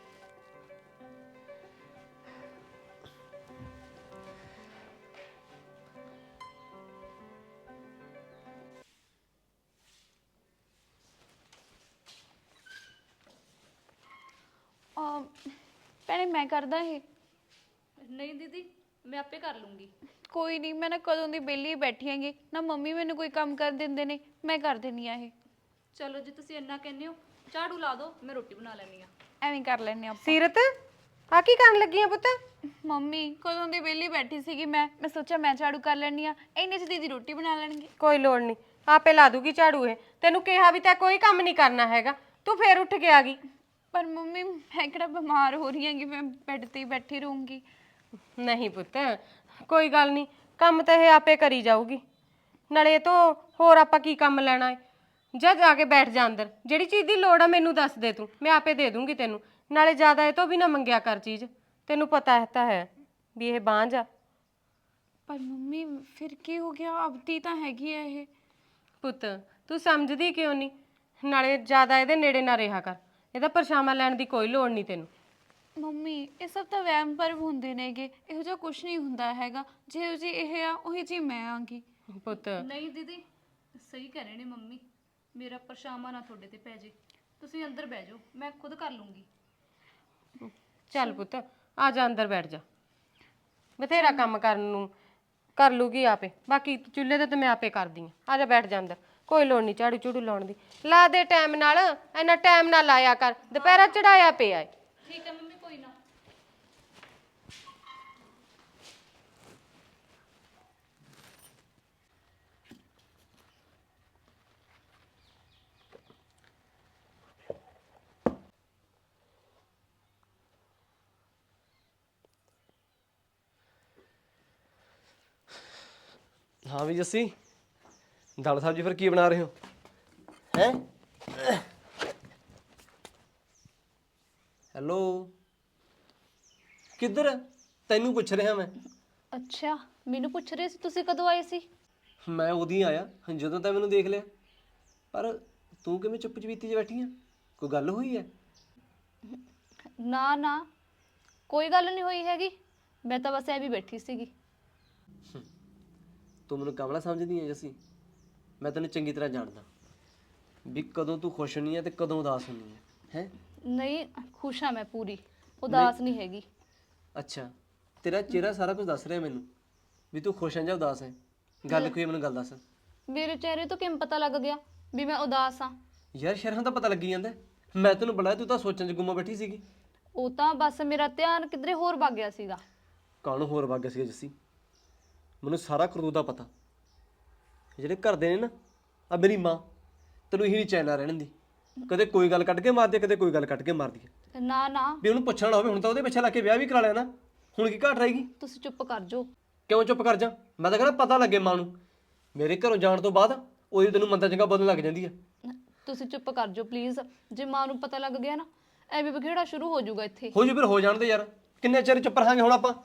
ਭੈਣੇ ਮੈਂ ਕਰਦਾ ਇਹ।
ਨਹੀਂ ਦੀਦੀ, ਮੈਂ ਆਪੇ ਕਰ ਲੂੰਗੀ।
ਕੋਈ ਨਹੀਂ, ਮੈਂ ਨਾ ਕਦੋਂ ਦੀ ਵਿਹਲੀ ਬੈਠੀ ਹੈਗੀ ਨਾ, ਮੰਮੀ ਮੈਨੂੰ ਕੋਈ ਕੰਮ ਕਰ ਦਿੰਦੇ ਨੇ, ਮੈਂ ਕਰ ਦਿੰਦੀ ਆ ਇਹ।
ਚਲੋ ਜੇ ਤੁਸੀਂ ਇੰਨਾ ਕਹਿੰਦੇ ਹੋ ਝਾੜੂ ਲਾ ਦਿਓ, ਮੈਂ ਰੋਟੀ ਬਣਾ ਲੈਣੀ ਆ।
ਐਵੇਂ ਕਰ ਲੈਣੇ ਆਪਾਂ।
ਸੀਰਤ ਆ ਕੀ ਕਰਨ ਲੱਗੀ ਆ ਪੁੱਤ?
ਮੰਮੀ ਕਦੋਂ ਦੀ ਵਿਹਲੀ ਬੈਠੀ ਸੀਗੀ ਮੈਂ ਮੈਂ ਸੋਚਿਆ ਮੈਂ ਝਾੜੂ ਕਰ ਲੈਣੀ ਆ, ਇੰਨੇ ਚ ਦੀਦੀ ਰੋਟੀ ਬਣਾ ਲੈਣਗੇ।
ਕੋਈ ਲੋੜ ਨਹੀਂ, ਆਪੇ ਲਾ ਦੂਗੀ ਝਾੜੂ ਇਹ। ਤੈਨੂੰ ਕਿਹਾ ਵੀ ਤਾਂ ਕੋਈ ਕੰਮ ਨਹੀਂ ਕਰਨਾ ਹੈਗਾ, ਤੂੰ ਫੇਰ ਉੱਠ ਕੇ ਆ ਗਈ।
ਪਰ ਮੰਮੀ ਮੈਂ ਕਿਹੜਾ ਬਿਮਾਰ ਹੋ ਰਹੀ ਹੈਗੀ, ਮੈਂ ਬੈੱਡ ਤੇ ਹੀ ਬੈਠੀ ਰਹੂੰਗੀ।
ਨਹੀਂ ਪੁੱਤ, ਕੋਈ ਗੱਲ ਨਹੀਂ, ਕੰਮ ਤਾਂ ਇਹ ਆਪੇ ਕਰੀ ਜਾਊਗੀ। ਨਾਲੇ ਇਹ ਤੋਂ ਹੋਰ ਆਪਾਂ ਕੀ ਕੰਮ ਲੈਣਾ ਹੈ? ਜਾ ਜਾ ਕੇ ਬੈਠ ਜਾ ਅੰਦਰ, ਜਿਹੜੀ ਚੀਜ਼ ਦੀ ਲੋੜ ਆ ਮੈਨੂੰ ਦੱਸ ਦੇ ਤੂੰ, ਮੈਂ ਆਪੇ ਦੇ ਦੂੰਗੀ ਤੈਨੂੰ। ਨਾਲੇ ਜ਼ਿਆਦਾ ਇਹ ਤੋਂ ਵੀ ਨਾ ਮੰਗਿਆ ਕਰ ਚੀਜ਼, ਤੈਨੂੰ ਪਤਾ ਹੈ ਤਾਂ ਹੈ ਵੀ ਇਹ ਬਾਂਝ ਆ।
ਪਰ ਮੰਮੀ ਫਿਰ ਕੀ ਹੋ ਗਿਆ, ਆਪਦੀ ਤਾਂ ਹੈਗੀ ਆ ਇਹ।
ਪੁੱਤ ਤੂੰ ਸਮਝਦੀ ਕਿਉਂ ਨਹੀਂ? ਨਾਲੇ ਜ਼ਿਆਦਾ ਇਹਦੇ ਨੇੜੇ ਨਾ ਰਿਹਾ ਕਰ, ਇਹਦਾ ਪਰਛਾਵਾਂ ਲੈਣ ਦੀ ਕੋਈ ਲੋੜ ਨਹੀਂ ਤੈਨੂੰ।
ਮੰਮੀ ਇਹ ਸਭ ਤਾਂ ਵਹਿਮ ਭਰਮ ਹੁੰਦੇ ਨੇਗੇ, ਇਹੋ ਜਿਹਾ ਕੁਝ ਨਹੀਂ ਹੁੰਦਾ ਹੈਗਾ। ਜਿਹੋ ਜੀ ਇਹ ਆ ਉਹੀ ਜੀ ਮੈਂ ਆਂਗੀ।
ਪੁੱਤ
ਨਹੀਂ ਦੀਦੀ, ਸਹੀ ਕਹਿ ਰਹੇ ਨੇ ਮੰਮੀ, ਮੇਰਾ ਪਰਛਾਵਾਂ ਨਾ ਤੁਹਾਡੇ ਤੇ ਪੈ ਜੇ। ਤੁਸੀਂ ਅੰਦਰ ਬਹਿ ਜਾਓ, ਮੈਂ ਖੁਦ ਕਰ ਲੂੰਗੀ।
ਚੱਲ ਪੁੱਤ ਆ ਜਾ ਅੰਦਰ ਬੈਠ ਜਾ, ਬਥੇਰਾ ਕੰਮ ਕਰਨ ਨੂੰ ਕਰ ਲੂਗੀ ਆਪੇ। ਬਾਕੀ ਚੁੱਲ੍ਹੇ ਤੇ ਤਾਂ ਮੈਂ ਆਪੇ ਕਰਦੀ ਆ। ਆ ਜਾ ਬੈਠ ਜਾ ਅੰਦਰ, ਕੋਈ ਲੋੜ ਨਹੀਂ ਝਾੜੂ ਝੂੜੂ ਲਾਉਣ ਦੀ। ਲਾ ਦੇ ਟਾਈਮ ਨਾਲ, ਇੰਨਾ ਟਾਈਮ ਨਾ ਲਾਇਆ ਕਰ, ਦੁਪਹਿਰਾ ਚੜਾਇਆ ਪਿਆ ਏ।
ਠੀਕ ਹੈ ਮੰਮੀ, ਕੋਈ ਨਾ।
ਹਾਂ ਵੀ ਜੱਸੀ, ਦਾਲ ਸਬਜ਼ੀ ਫਿਰ ਕੀ ਬਣਾ ਰਹੇ ਹੋ? ਹੈ ਹੈਲੋ, ਕਿੱਧਰ? ਤੈਨੂੰ ਪੁੱਛ ਰਿਹਾ ਮੈਂ।
ਅੱਛਾ, ਮੈਨੂੰ ਪੁੱਛ ਰਹੇ ਸੀ ਤੁਸੀਂ ਕਦੋਂ ਆਏ ਸੀ?
ਮੈਂ ਉਦੋਂ ਆਇਆ ਜਦੋਂ ਤਾਂ ਮੈਨੂੰ ਦੇਖ ਲਿਆ। ਪਰ ਤੂੰ ਕਿਵੇਂ ਚੁੱਪ ਚਪੀਤੀ 'ਚ ਬੈਠੀ ਆ? ਕੋਈ ਗੱਲ ਹੋਈ ਹੈ?
ਨਾ ਨਾ, ਕੋਈ ਗੱਲ ਨਹੀਂ ਹੋਈ ਹੈਗੀ, ਮੈਂ ਤਾਂ ਬਸ ਐ ਵੀ ਬੈਠੀ ਸੀਗੀ।
ਤੂੰ ਮੈਨੂੰ ਕਮਲਾ ਸਮਝਦੀ ਹੈ ਜੱਸੀ? ਮੈਂ ਤੈਨੂੰ ਚੰਗੀ ਤਰ੍ਹਾਂ ਜਾਣਦਾ ਵੀ ਕਦੋਂ ਤੂੰ ਖੁਸ਼ ਹੁੰਨੀ ਹੈ ਤੇ ਕਦੋਂ ਉਦਾਸ ਹੁੰਨੀ ਹੈ। ਹੈ
ਨਹੀਂ, ਖੁਸ਼ ਹਾਂ ਮੈਂ ਪੂਰੀ, ਉਦਾਸ ਨਹੀਂ ਹੈਗੀ।
ਅੱਛਾ, ਤੇਰਾ ਚਿਹਰਾ ਸਾਰਾ ਕੁਝ ਦੱਸ ਰਿਹਾ ਮੈਨੂੰ ਵੀ ਤੂੰ ਖੁਸ਼ ਹੈ ਜਾਂ ਉਦਾਸ ਹੈ। ਗੱਲ ਕੋਈ ਮੈਨੂੰ ਗੱਲ ਦੱਸ।
ਮੇਰੇ ਚਿਹਰੇ ਤੋਂ ਕਿਵੇਂ ਪਤਾ ਲੱਗ ਗਿਆ ਵੀ ਮੈਂ ਉਦਾਸ ਹਾਂ?
ਯਾਰ ਸ਼ਹਿਰਾਂ ਤਾਂ ਪਤਾ ਲੱਗੀ ਜਾਂਦਾ। ਮੈਂ ਤੈਨੂੰ ਬੁਲਾਇਆ, ਤੂੰ ਤਾਂ ਸੋਚਣ 'ਚ ਗੁੰਮਾ ਬੈਠੀ ਸੀਗੀ।
ਉਹ ਤਾਂ ਬਸ ਮੇਰਾ ਧਿਆਨ ਕਿਧਰੇ ਹੋਰ ਵਗ ਗਿਆ ਸੀਗਾ।
ਕਾਹਨੂੰ ਹੋਰ ਵਗ ਗਿਆ ਸੀਗਾ ਜੱਸੀ? ਮੈਨੂੰ ਸਾਰਾ ਕਰਤੂਤ ਦਾ ਪਤਾ। ਜਿਹੜੇ ਘਰ ਦੇ ਨੇ ਨਾ, ਆ ਮੇਰੀ ਮਾਂ, ਤੈਨੂੰ ਇਹੀ ਨਹੀਂ ਚੈਨ ਰਹਿਣ ਦੀ। ਕਦੇ ਕੋਈ ਗੱਲ ਕੱਢ ਕੇ ਮਾਰਦੀ ਹੈ, ਕਦੇ ਕੋਈ ਗੱਲ ਕੱਢ ਕੇ ਮਾਰਦੀ ਹੈ।
ਨਾ ਨਾ,
ਵੀ ਉਹਨੂੰ ਪੁੱਛਣਾ ਹੋਵੇ, ਹੁਣ ਤਾਂ ਉਹਦੇ ਪਿੱਛੇ ਲੱਗ ਕੇ ਵਿਆਹ ਵੀ ਕਰਾ ਲਿਆ ਨਾ, ਹੁਣ ਕੀ ਘਾਟ ਰਹੇਗੀ?
ਤੁਸੀਂ ਚੁੱਪ ਕਰ ਜਾਓ।
ਕਿਉਂ ਚੁੱਪ ਕਰ ਜਾ? ਮੈਂ ਤਾਂ ਕਹਿੰਦਾ ਪਤਾ ਲੱਗੇ ਮਾਂ ਨੂੰ। ਮੇਰੇ ਘਰੋਂ ਜਾਣ ਤੋਂ ਬਾਅਦ ਉਹਦੀ ਤੈਨੂੰ ਮੰਦਾ ਚੰਗਾ ਬੋਲਣ ਲੱਗ ਜਾਂਦੀ ਆ।
ਤੁਸੀਂ ਚੁੱਪ ਕਰ ਜਾਓ ਪਲੀਜ਼। ਜੇ ਮਾਂ ਨੂੰ ਪਤਾ ਲੱਗ ਗਿਆ ਨਾ, ਐਵੇਂ ਬਖੇੜਾ ਸ਼ੁਰੂ ਹੋ ਜਾਊਗਾ ਇੱਥੇ।
ਹੋ ਜੂ ਫਿਰ ਹੋ ਜਾਣ ਦੇ ਯਾਰ, ਕਿੰਨੇ ਚਿਰ ਚੁੱਪ ਰਹਾਂਗੇ ਹੁਣ ਆਪਾਂ?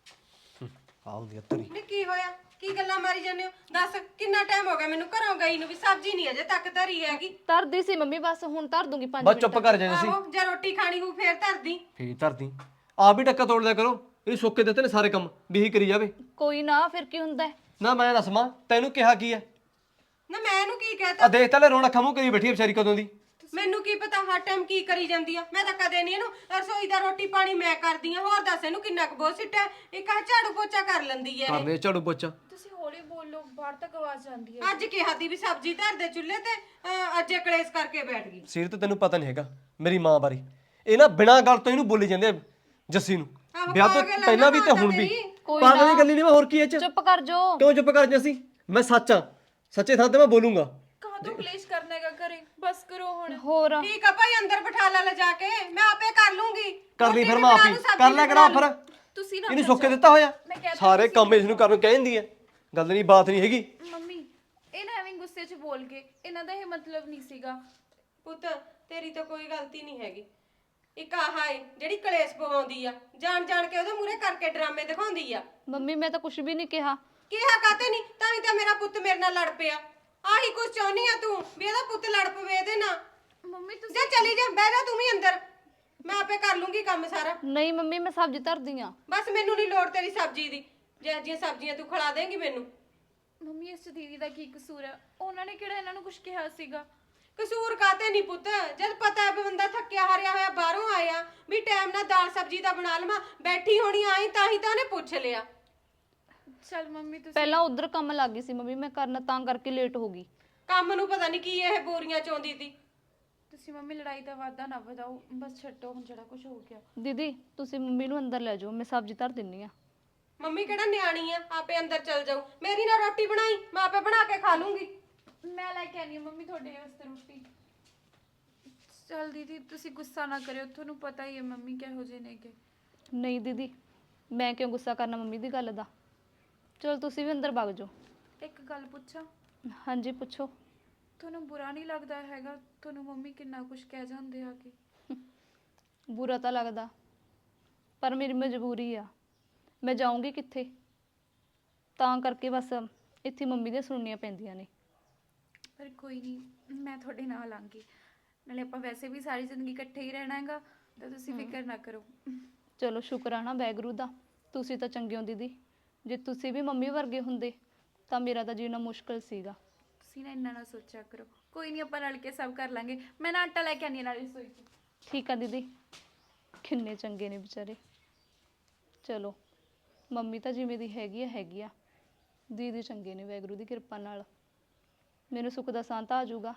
ਆ ਹੁੰਦੀ ਤੇਰੀ।
ਨੀ ਕੀ ਹੋਇਆ? ਕੀ ਗੱਲਾਂ ਮਾਰੀ ਜਾਂਦੇ ਹੋ? ਦੱਸ, ਕਿੰਨਾ ਟਾਈਮ ਹੋ ਗਿਆ ਮੈਨੂੰ ਘਰੋਂ ਗਈ ਨੂੰ, ਵੀ ਸਬਜ਼ੀ ਨਹੀਂ ਅਜੇ ਤੱਕ ਧਰੀ ਹੈਗੀ।
ਧਰਦੀ ਸੀ ਮੰਮੀ, ਬਸ ਹੁਣ ਧਰ ਦੂੰਗੀ ਪੰਜ
ਬਸ
ਮਿੰਟ।
ਚੁੱਪ ਕਰ ਜਾ ਜੱਸੀ।
ਆਹੋ, ਜੇ ਰੋਟੀ ਖਾਣੀ ਹੋ ਫੇਰ ਧਰਦੀ।
ਫੇਰ ਧਰਦੀ। ਆਪ ਵੀ ਟੱਕਾ ਤੋੜ ਲਿਆ ਕਰੋ। ਇਹ ਸੁੱਕੇ ਦਿੱਤੇ ਨੇ ਸਾਰੇ ਕੰਮ, ਵੀ ਇਹੀ ਕਰੀ ਜਾਵੇ।
ਕੋਈ ਨਾ, ਫਿਰ ਕੀ ਹੁੰਦਾ ਹੈ?
ਨਾ ਮੈਂ ਦੱਸ ਮਾਂ, ਤੈਨੂੰ ਕਿਹਾ ਕੀ ਹੈ?
ਨਾ ਮੈਂ ਇਹਨੂੰ ਕੀ
ਆ
ਕਹਤਾ?
ਦੇਖ ਤਾਂ ਲੈ, ਰੋਣ ਅੱਖਾਂ ਮੂੰਹ ਕਰੀ ਬੈਠੀ ਹੈ ਵਿਚਾਰੀ ਕਦੋਂ ਦੀ।
ਮੈਨੂੰ ਕੀ ਪਤਾ ਹਰ ਟਾਈਮ ਕੀ ਕਰੀ ਜਾਂਦੀ ਆ? ਮੈਂ ਤਾਂ ਕਦੇ ਨਹੀਂ ਇਹਨੂੰ ਰਸੋਈ ਦਾ ਰੋਟੀ ਪਾਣੀ ਮੈਂ ਕਰਦੀ ਆ। ਹੋਰ ਦੱਸ ਇਹਨੂੰ ਕਿੰਨਾ ਕੁ ਬੋਝ ਸਿੱਟਾ? ਇੱਕ ਆ ਝਾੜੂ ਪੋਚਾ ਕਰ ਲੈਂਦੀ ਐ
ਕਰ
ਇਹ।
ਲੈ ਝਾੜੂ ਪੋਚਾ।
ਤੁਸੀਂ ਹੌਲੀ ਬੋਲੋ, ਬਾਹਰ ਤੱਕ ਆਵਾਜ਼ ਆਉਂਦੀ ਹੈ।
ਅੱਜ ਕਿਹਾ ਦੀ ਵੀ ਸਬਜ਼ੀ ਧਰ ਦੇ ਚੁੱਲ੍ਹੇ ਤੇ, ਅਹ, ਅੱਜ ਕਲੇਸ਼ ਕਰਕੇ ਬੈਠ ਗਈ।
ਸਿਰ ਤੇ ਤੈਨੂੰ ਪਤਾ ਨਹੀਂ ਹੈਗਾ ਮੇਰੀ ਮਾਂ ਬਾਰੇ। ਇਹ ਨਾ ਬਿਨਾਂ ਗੱਲ ਤੋਂ ਇਹਨੂੰ ਬੋਲੀ ਜਾਂਦੇ ਆ ਜੱਸੀ ਨੂੰ,
ਆਹੋ,
ਵਿਆਹ ਤੋਂ
ਪਾਗਲ ਆ ਨਾ
ਪਹਿਲਾਂ ਵੀ ਤੇ
ਮਾਤਾ
ਹੁਣ ਵੀ।
ਤੇਰੀ।
ਕੋਈ
ਪਾਗਲ
ਨਾ।
ਦੀ ਗੱਲ ਹੀ ਨਹੀਂ, ਮੈਂ ਹੋਰ ਕੀ ਇਹ ਚ?
ਚੁੱਪ ਕਰ ਜਾਓ।
ਕਿਉਂ ਚੁੱਪ ਕਰ ਜੱਸੀ? ਮੈਂ ਸੱਚ ਆ, ਸੱਚੇ ਥਾਂ ਤੇ ਮੈਂ ਬੋਲੂੰਗਾ।
ਕਹਾਂ ਤੋਂ ਕਲੇਸ਼ ਕਰਨਾ ਹੈਗਾ ਘਰੇ, ਬਸ ਕਰੋ ਹੁਣ।
ਹੋਰ
ਠੀਕ ਆ ਭਾਈ, ਅੰਦਰ ਬਿਠਾ ਲੈ ਲਿਜਾ ਕੇ, ਮੈਂ ਆਪੇ ਕਰ ਲੂੰਗੀ।
ਕਰ ਲਈ
ਰੋਟੀ
ਫਿਰ
ਵੀ
ਮੈਂ ਆਪ
ਬਣਾ
ਹੀ
ਲੂੰ, ਸਬਜ਼ੀ
ਕਰ ਲਿਆ
ਵੀ
ਕਰਾਂ
ਬਣਾ
ਫਿਰ।
ਲੂੰ।
ਤੁਸੀਂ ਨਾ
ਇਹਨੂੰ ਸੁੱਕੇ ਦਿੱਤਾ ਹੋਇਆ,
ਕਹਿ
ਸਾਰੇ ਕੰਮ ਇਸ ਨੂੰ ਕਰਨ ਨੂੰ ਕਹਿੰਦੀ ਹੈ। ਗੱਲ ਨਹੀਂ ਬਾਤ ਨਹੀਂ ਹੈਗੀ।
ਮੰਮੀ ਇਹ ਨਾ ਐਵੇਂ ਗੁੱਸੇ 'ਚ ਬੋਲ ਕੇ, ਇਹਨਾਂ ਦਾ ਇਹ ਮਤਲਬ ਨਹੀਂ ਸੀਗਾ।
ਪੁੱਤ ਤੇਰੀ ਤਾਂ ਕੋਈ ਗਲਤੀ ਨਹੀਂ ਹੈਗੀ। ਇੱਕ ਆਹ ਏ ਜਿਹੜੀ ਕਲੇਸ਼ ਪਵਾਉਂਦੀ ਆ, ਜਾਣ ਜਾਣ ਕੇ ਉਹਦੇ ਮੂਹਰੇ ਕਰਕੇ ਡਰਾਮੇ ਦਿਖਾਉਂਦੀ ਆ।
ਮੰਮੀ, ਮੈਂ ਤਾਂ ਕੁਝ ਵੀ ਨਹੀਂ ਕਿਹਾ।
ਕਿਹਾ ਕਾਤੇ ਨਹੀਂ? ਤਾਂ ਹੀ ਤਾਂ ਮੇਰਾ ਪੁੱਤ ਮੇਰੇ ਨਾਲ ਲੜ ਪਿਆ। ਆਹੀ ਕੁਝ ਚਾਹੁੰਦੀ ਆ ਤੂੰ, ਵੀ ਇਹਦਾ ਪੁੱਤ ਲੜ ਪਵੇ ਇਹਦੇ ਨਾਲ?
ਮੰਮੀ ਤੁਸੀਂ
ਜਾ ਚਲੀ ਜਾ, ਬਹਿ ਜਾ ਤੂੰ ਵੀ ਅੰਦਰ, ਮੈਂ ਆਪੇ ਕਰ ਲੂੰਗੀ ਕੰਮ ਸਾਰਾ।
ਨਹੀਂ ਮੰਮੀ, ਮੈਂ ਸਬਜ਼ੀ ਧਰਦੀ ਆ।
ਬਸ ਮੈਨੂੰ ਨਹੀਂ ਲੋੜ ਤੇਰੀ ਸਬਜ਼ੀ ਦੀ, ਜੇ ਜਿਹੀਆਂ ਸਬਜ਼ੀਆਂ ਤੂੰ ਖਿਲਾ ਦੇਂਗੀ ਮੈਨੂੰ।
ਮੰਮੀ ਇਸ 'ਚ ਦੀਦੀ ਦਾ ਕੀ ਕਸੂਰ ਹੈ? ਉਹਨਾਂ ਨੇ ਕਿਹੜਾ ਇਹਨਾਂ ਨੂੰ ਕੁਝ ਕਿਹਾ ਸੀਗਾ?
ਕਸੂਰ ਕਾਤੇ ਨਹੀਂ ਪੁੱਤ? ਜਦ ਪਤਾ ਹੈ ਵੀ ਬੰਦਾ ਥੱਕਿਆ ਹਾਰਿਆ ਹੋਇਆ ਬਾਹਰੋਂ ਆਇਆ, ਵੀ ਟਾਈਮ ਨਾਲ ਦਾਲ ਸਬਜ਼ੀ ਦਾ ਬਣਾ ਲਵਾਂ, ਬੈਠੀ ਹੋਣੀ ਆਈ ਤਾਂ ਹੀ ਤਾਂ ਉਹਨੇ ਪੁੱਛ ਲਿਆ।
ਚਲ ਮੰਮੀ ਤੁਸੀਂ
ਪਹਿਲਾਂ ਉਧਰ ਕੰਮ ਲੱਗ ਗਈ ਸੀ ਮੰਮੀ ਮੈਂ ਕਰਨ, ਤਾਂ ਕਰਕੇ ਲੇਟ ਹੋ ਗਈ।
ਕੰਮ ਨੂੰ ਪਤਾ ਨਹੀਂ ਕੀ ਇਹ ਬੋਰੀਆਂ ਚੋਂਦੀ ਤੀ।
ਤੁਸੀਂ ਮੰਮੀ ਲੜਾਈ ਦਾ ਵਾਧਾ ਨਾ ਵਧਾਓ, ਬਸ ਛੱਡੋ ਹੁਣ ਜਿਹੜਾ ਕੁਝ ਹੋ ਗਿਆ।
ਦੀਦੀ ਤੁਸੀਂ ਮੰਮੀ ਨੂੰ ਅੰਦਰ ਲੈ ਜਾਓ, ਮੈਂ ਸਬਜ਼ੀ ਧਰ ਦਿੰਨੀ ਆ।
ਮੰਮੀ ਕਿਹੜਾ ਨਿਆਣੀ ਆ ਆਪੇ ਅੰਦਰ ਚਲ ਜਾਊ। ਮੇਰੀ ਨਾ ਰੋਟੀ ਬਣਾਈ, ਮੈਂ ਆਪੇ ਬਣਾ ਕੇ ਖਾ ਲੂੰਗੀ।
ਮੈਂ ਲੈ ਕੇ ਆਨੀ ਆ ਮੰਮੀ ਤੁਹਾਡੇ ਵਾਸਤੇ ਰੋਟੀ। ਚਲ ਦੀਦੀ ਤੁਸੀਂ ਗੁੱਸਾ ਨਾ ਕਰਿਓ, ਤੁਹਾਨੂੰ ਪਤਾ ਹੀ ਹੈ ਮੰਮੀ ਕਿਹੋ ਜਿਹੇ ਨੇਗੇ।
ਨਹੀਂ ਦੀਦੀ, ਮੈਂ ਕਿਉਂ ਗੁੱਸਾ ਕਰਨਾ ਮੰਮੀ ਦੀ ਗੱਲ ਦਾ। ਚਲੋ ਤੁਸੀਂ ਵੀ ਅੰਦਰ ਵਗ ਜਾਓ।
ਇੱਕ ਗੱਲ ਪੁੱਛਾਂ,
ਹਾਂਜੀ ਪੁੱਛੋ।
ਤੁਹਾਨੂੰ ਬੁਰਾ ਨਹੀਂ ਲੱਗਦਾ ਹੈਗਾ ਤੁਹਾਨੂੰ ਮੰਮੀ ਕਿੰਨਾ ਕੁਝ ਕਹਿ ਜਾਂਦੇ ਆ ਕਿ?
ਬੁਰਾ ਤਾਂ ਲੱਗਦਾ, ਪਰ ਮੇਰੀ ਮਜਬੂਰੀ ਆ, ਮੈਂ ਜਾਊਂਗੀ ਕਿੱਥੇ, ਤਾਂ ਕਰਕੇ ਬਸ ਇੱਥੇ ਮੰਮੀ ਦੀਆਂ ਸੁਣਨੀਆਂ ਪੈਂਦੀਆਂ ਨੇ।
ਪਰ ਕੋਈ ਨਹੀਂ, ਮੈਂ ਤੁਹਾਡੇ ਨਾਲ ਆਂਗੀ, ਨਾਲੇ ਆਪਾਂ ਵੈਸੇ ਵੀ ਸਾਰੀ ਜ਼ਿੰਦਗੀ ਇਕੱਠੇ ਹੀ ਰਹਿਣਾ ਹੈਗਾ, ਤਾਂ ਤੁਸੀਂ ਫਿਕਰ ਨਾ ਕਰੋ।
ਚਲੋ ਸ਼ੁਕਰ ਆ ਨਾ ਵਾਹਿਗੁਰੂ ਦਾ, ਤੁਸੀਂ ਤਾਂ ਚੰਗੇ ਹੋ ਦੀਦੀ। ਜੇ ਤੁਸੀਂ ਵੀ ਮੰਮੀ ਵਰਗੇ ਹੁੰਦੇ ਤਾਂ ਮੇਰਾ ਤਾਂ ਜੀਣਾ ਮੁਸ਼ਕਲ ਸੀਗਾ।
ਤੁਸੀਂ ਨਾ ਇੰਨਾ ਨਾ ਸੋਚਿਆ ਕਰੋ, ਕੋਈ ਨਹੀਂ ਆਪਾਂ ਰਲ ਕੇ ਸਭ ਕਰ ਲਾਂਗੇ। ਮੈਂ ਨਾ ਆਟਾ ਲੈ ਕੇ ਆਨੀ ਨਾਲ ਰਸੋਈ 'ਚ।
ਠੀਕ ਆ ਦੀਦੀ, ਕਿੰਨੇ ਚੰਗੇ ਨੇ ਵਿਚਾਰੇ। ਚਲੋ ਮੰਮੀ ਤਾਂ ਜਿਵੇਂ ਦੀ ਹੈਗੀ ਆ ਹੈਗੀ ਆ, ਦੀਦੀ ਚੰਗੇ ਨੇ ਵਾਹਿਗੁਰੂ ਦੀ ਕਿਰਪਾ ਨਾਲ, ਮੈਨੂੰ ਸੁੱਖ ਦਾ ਸਾਂ ਤਾਂ ਆ ਜਾਊਗਾ।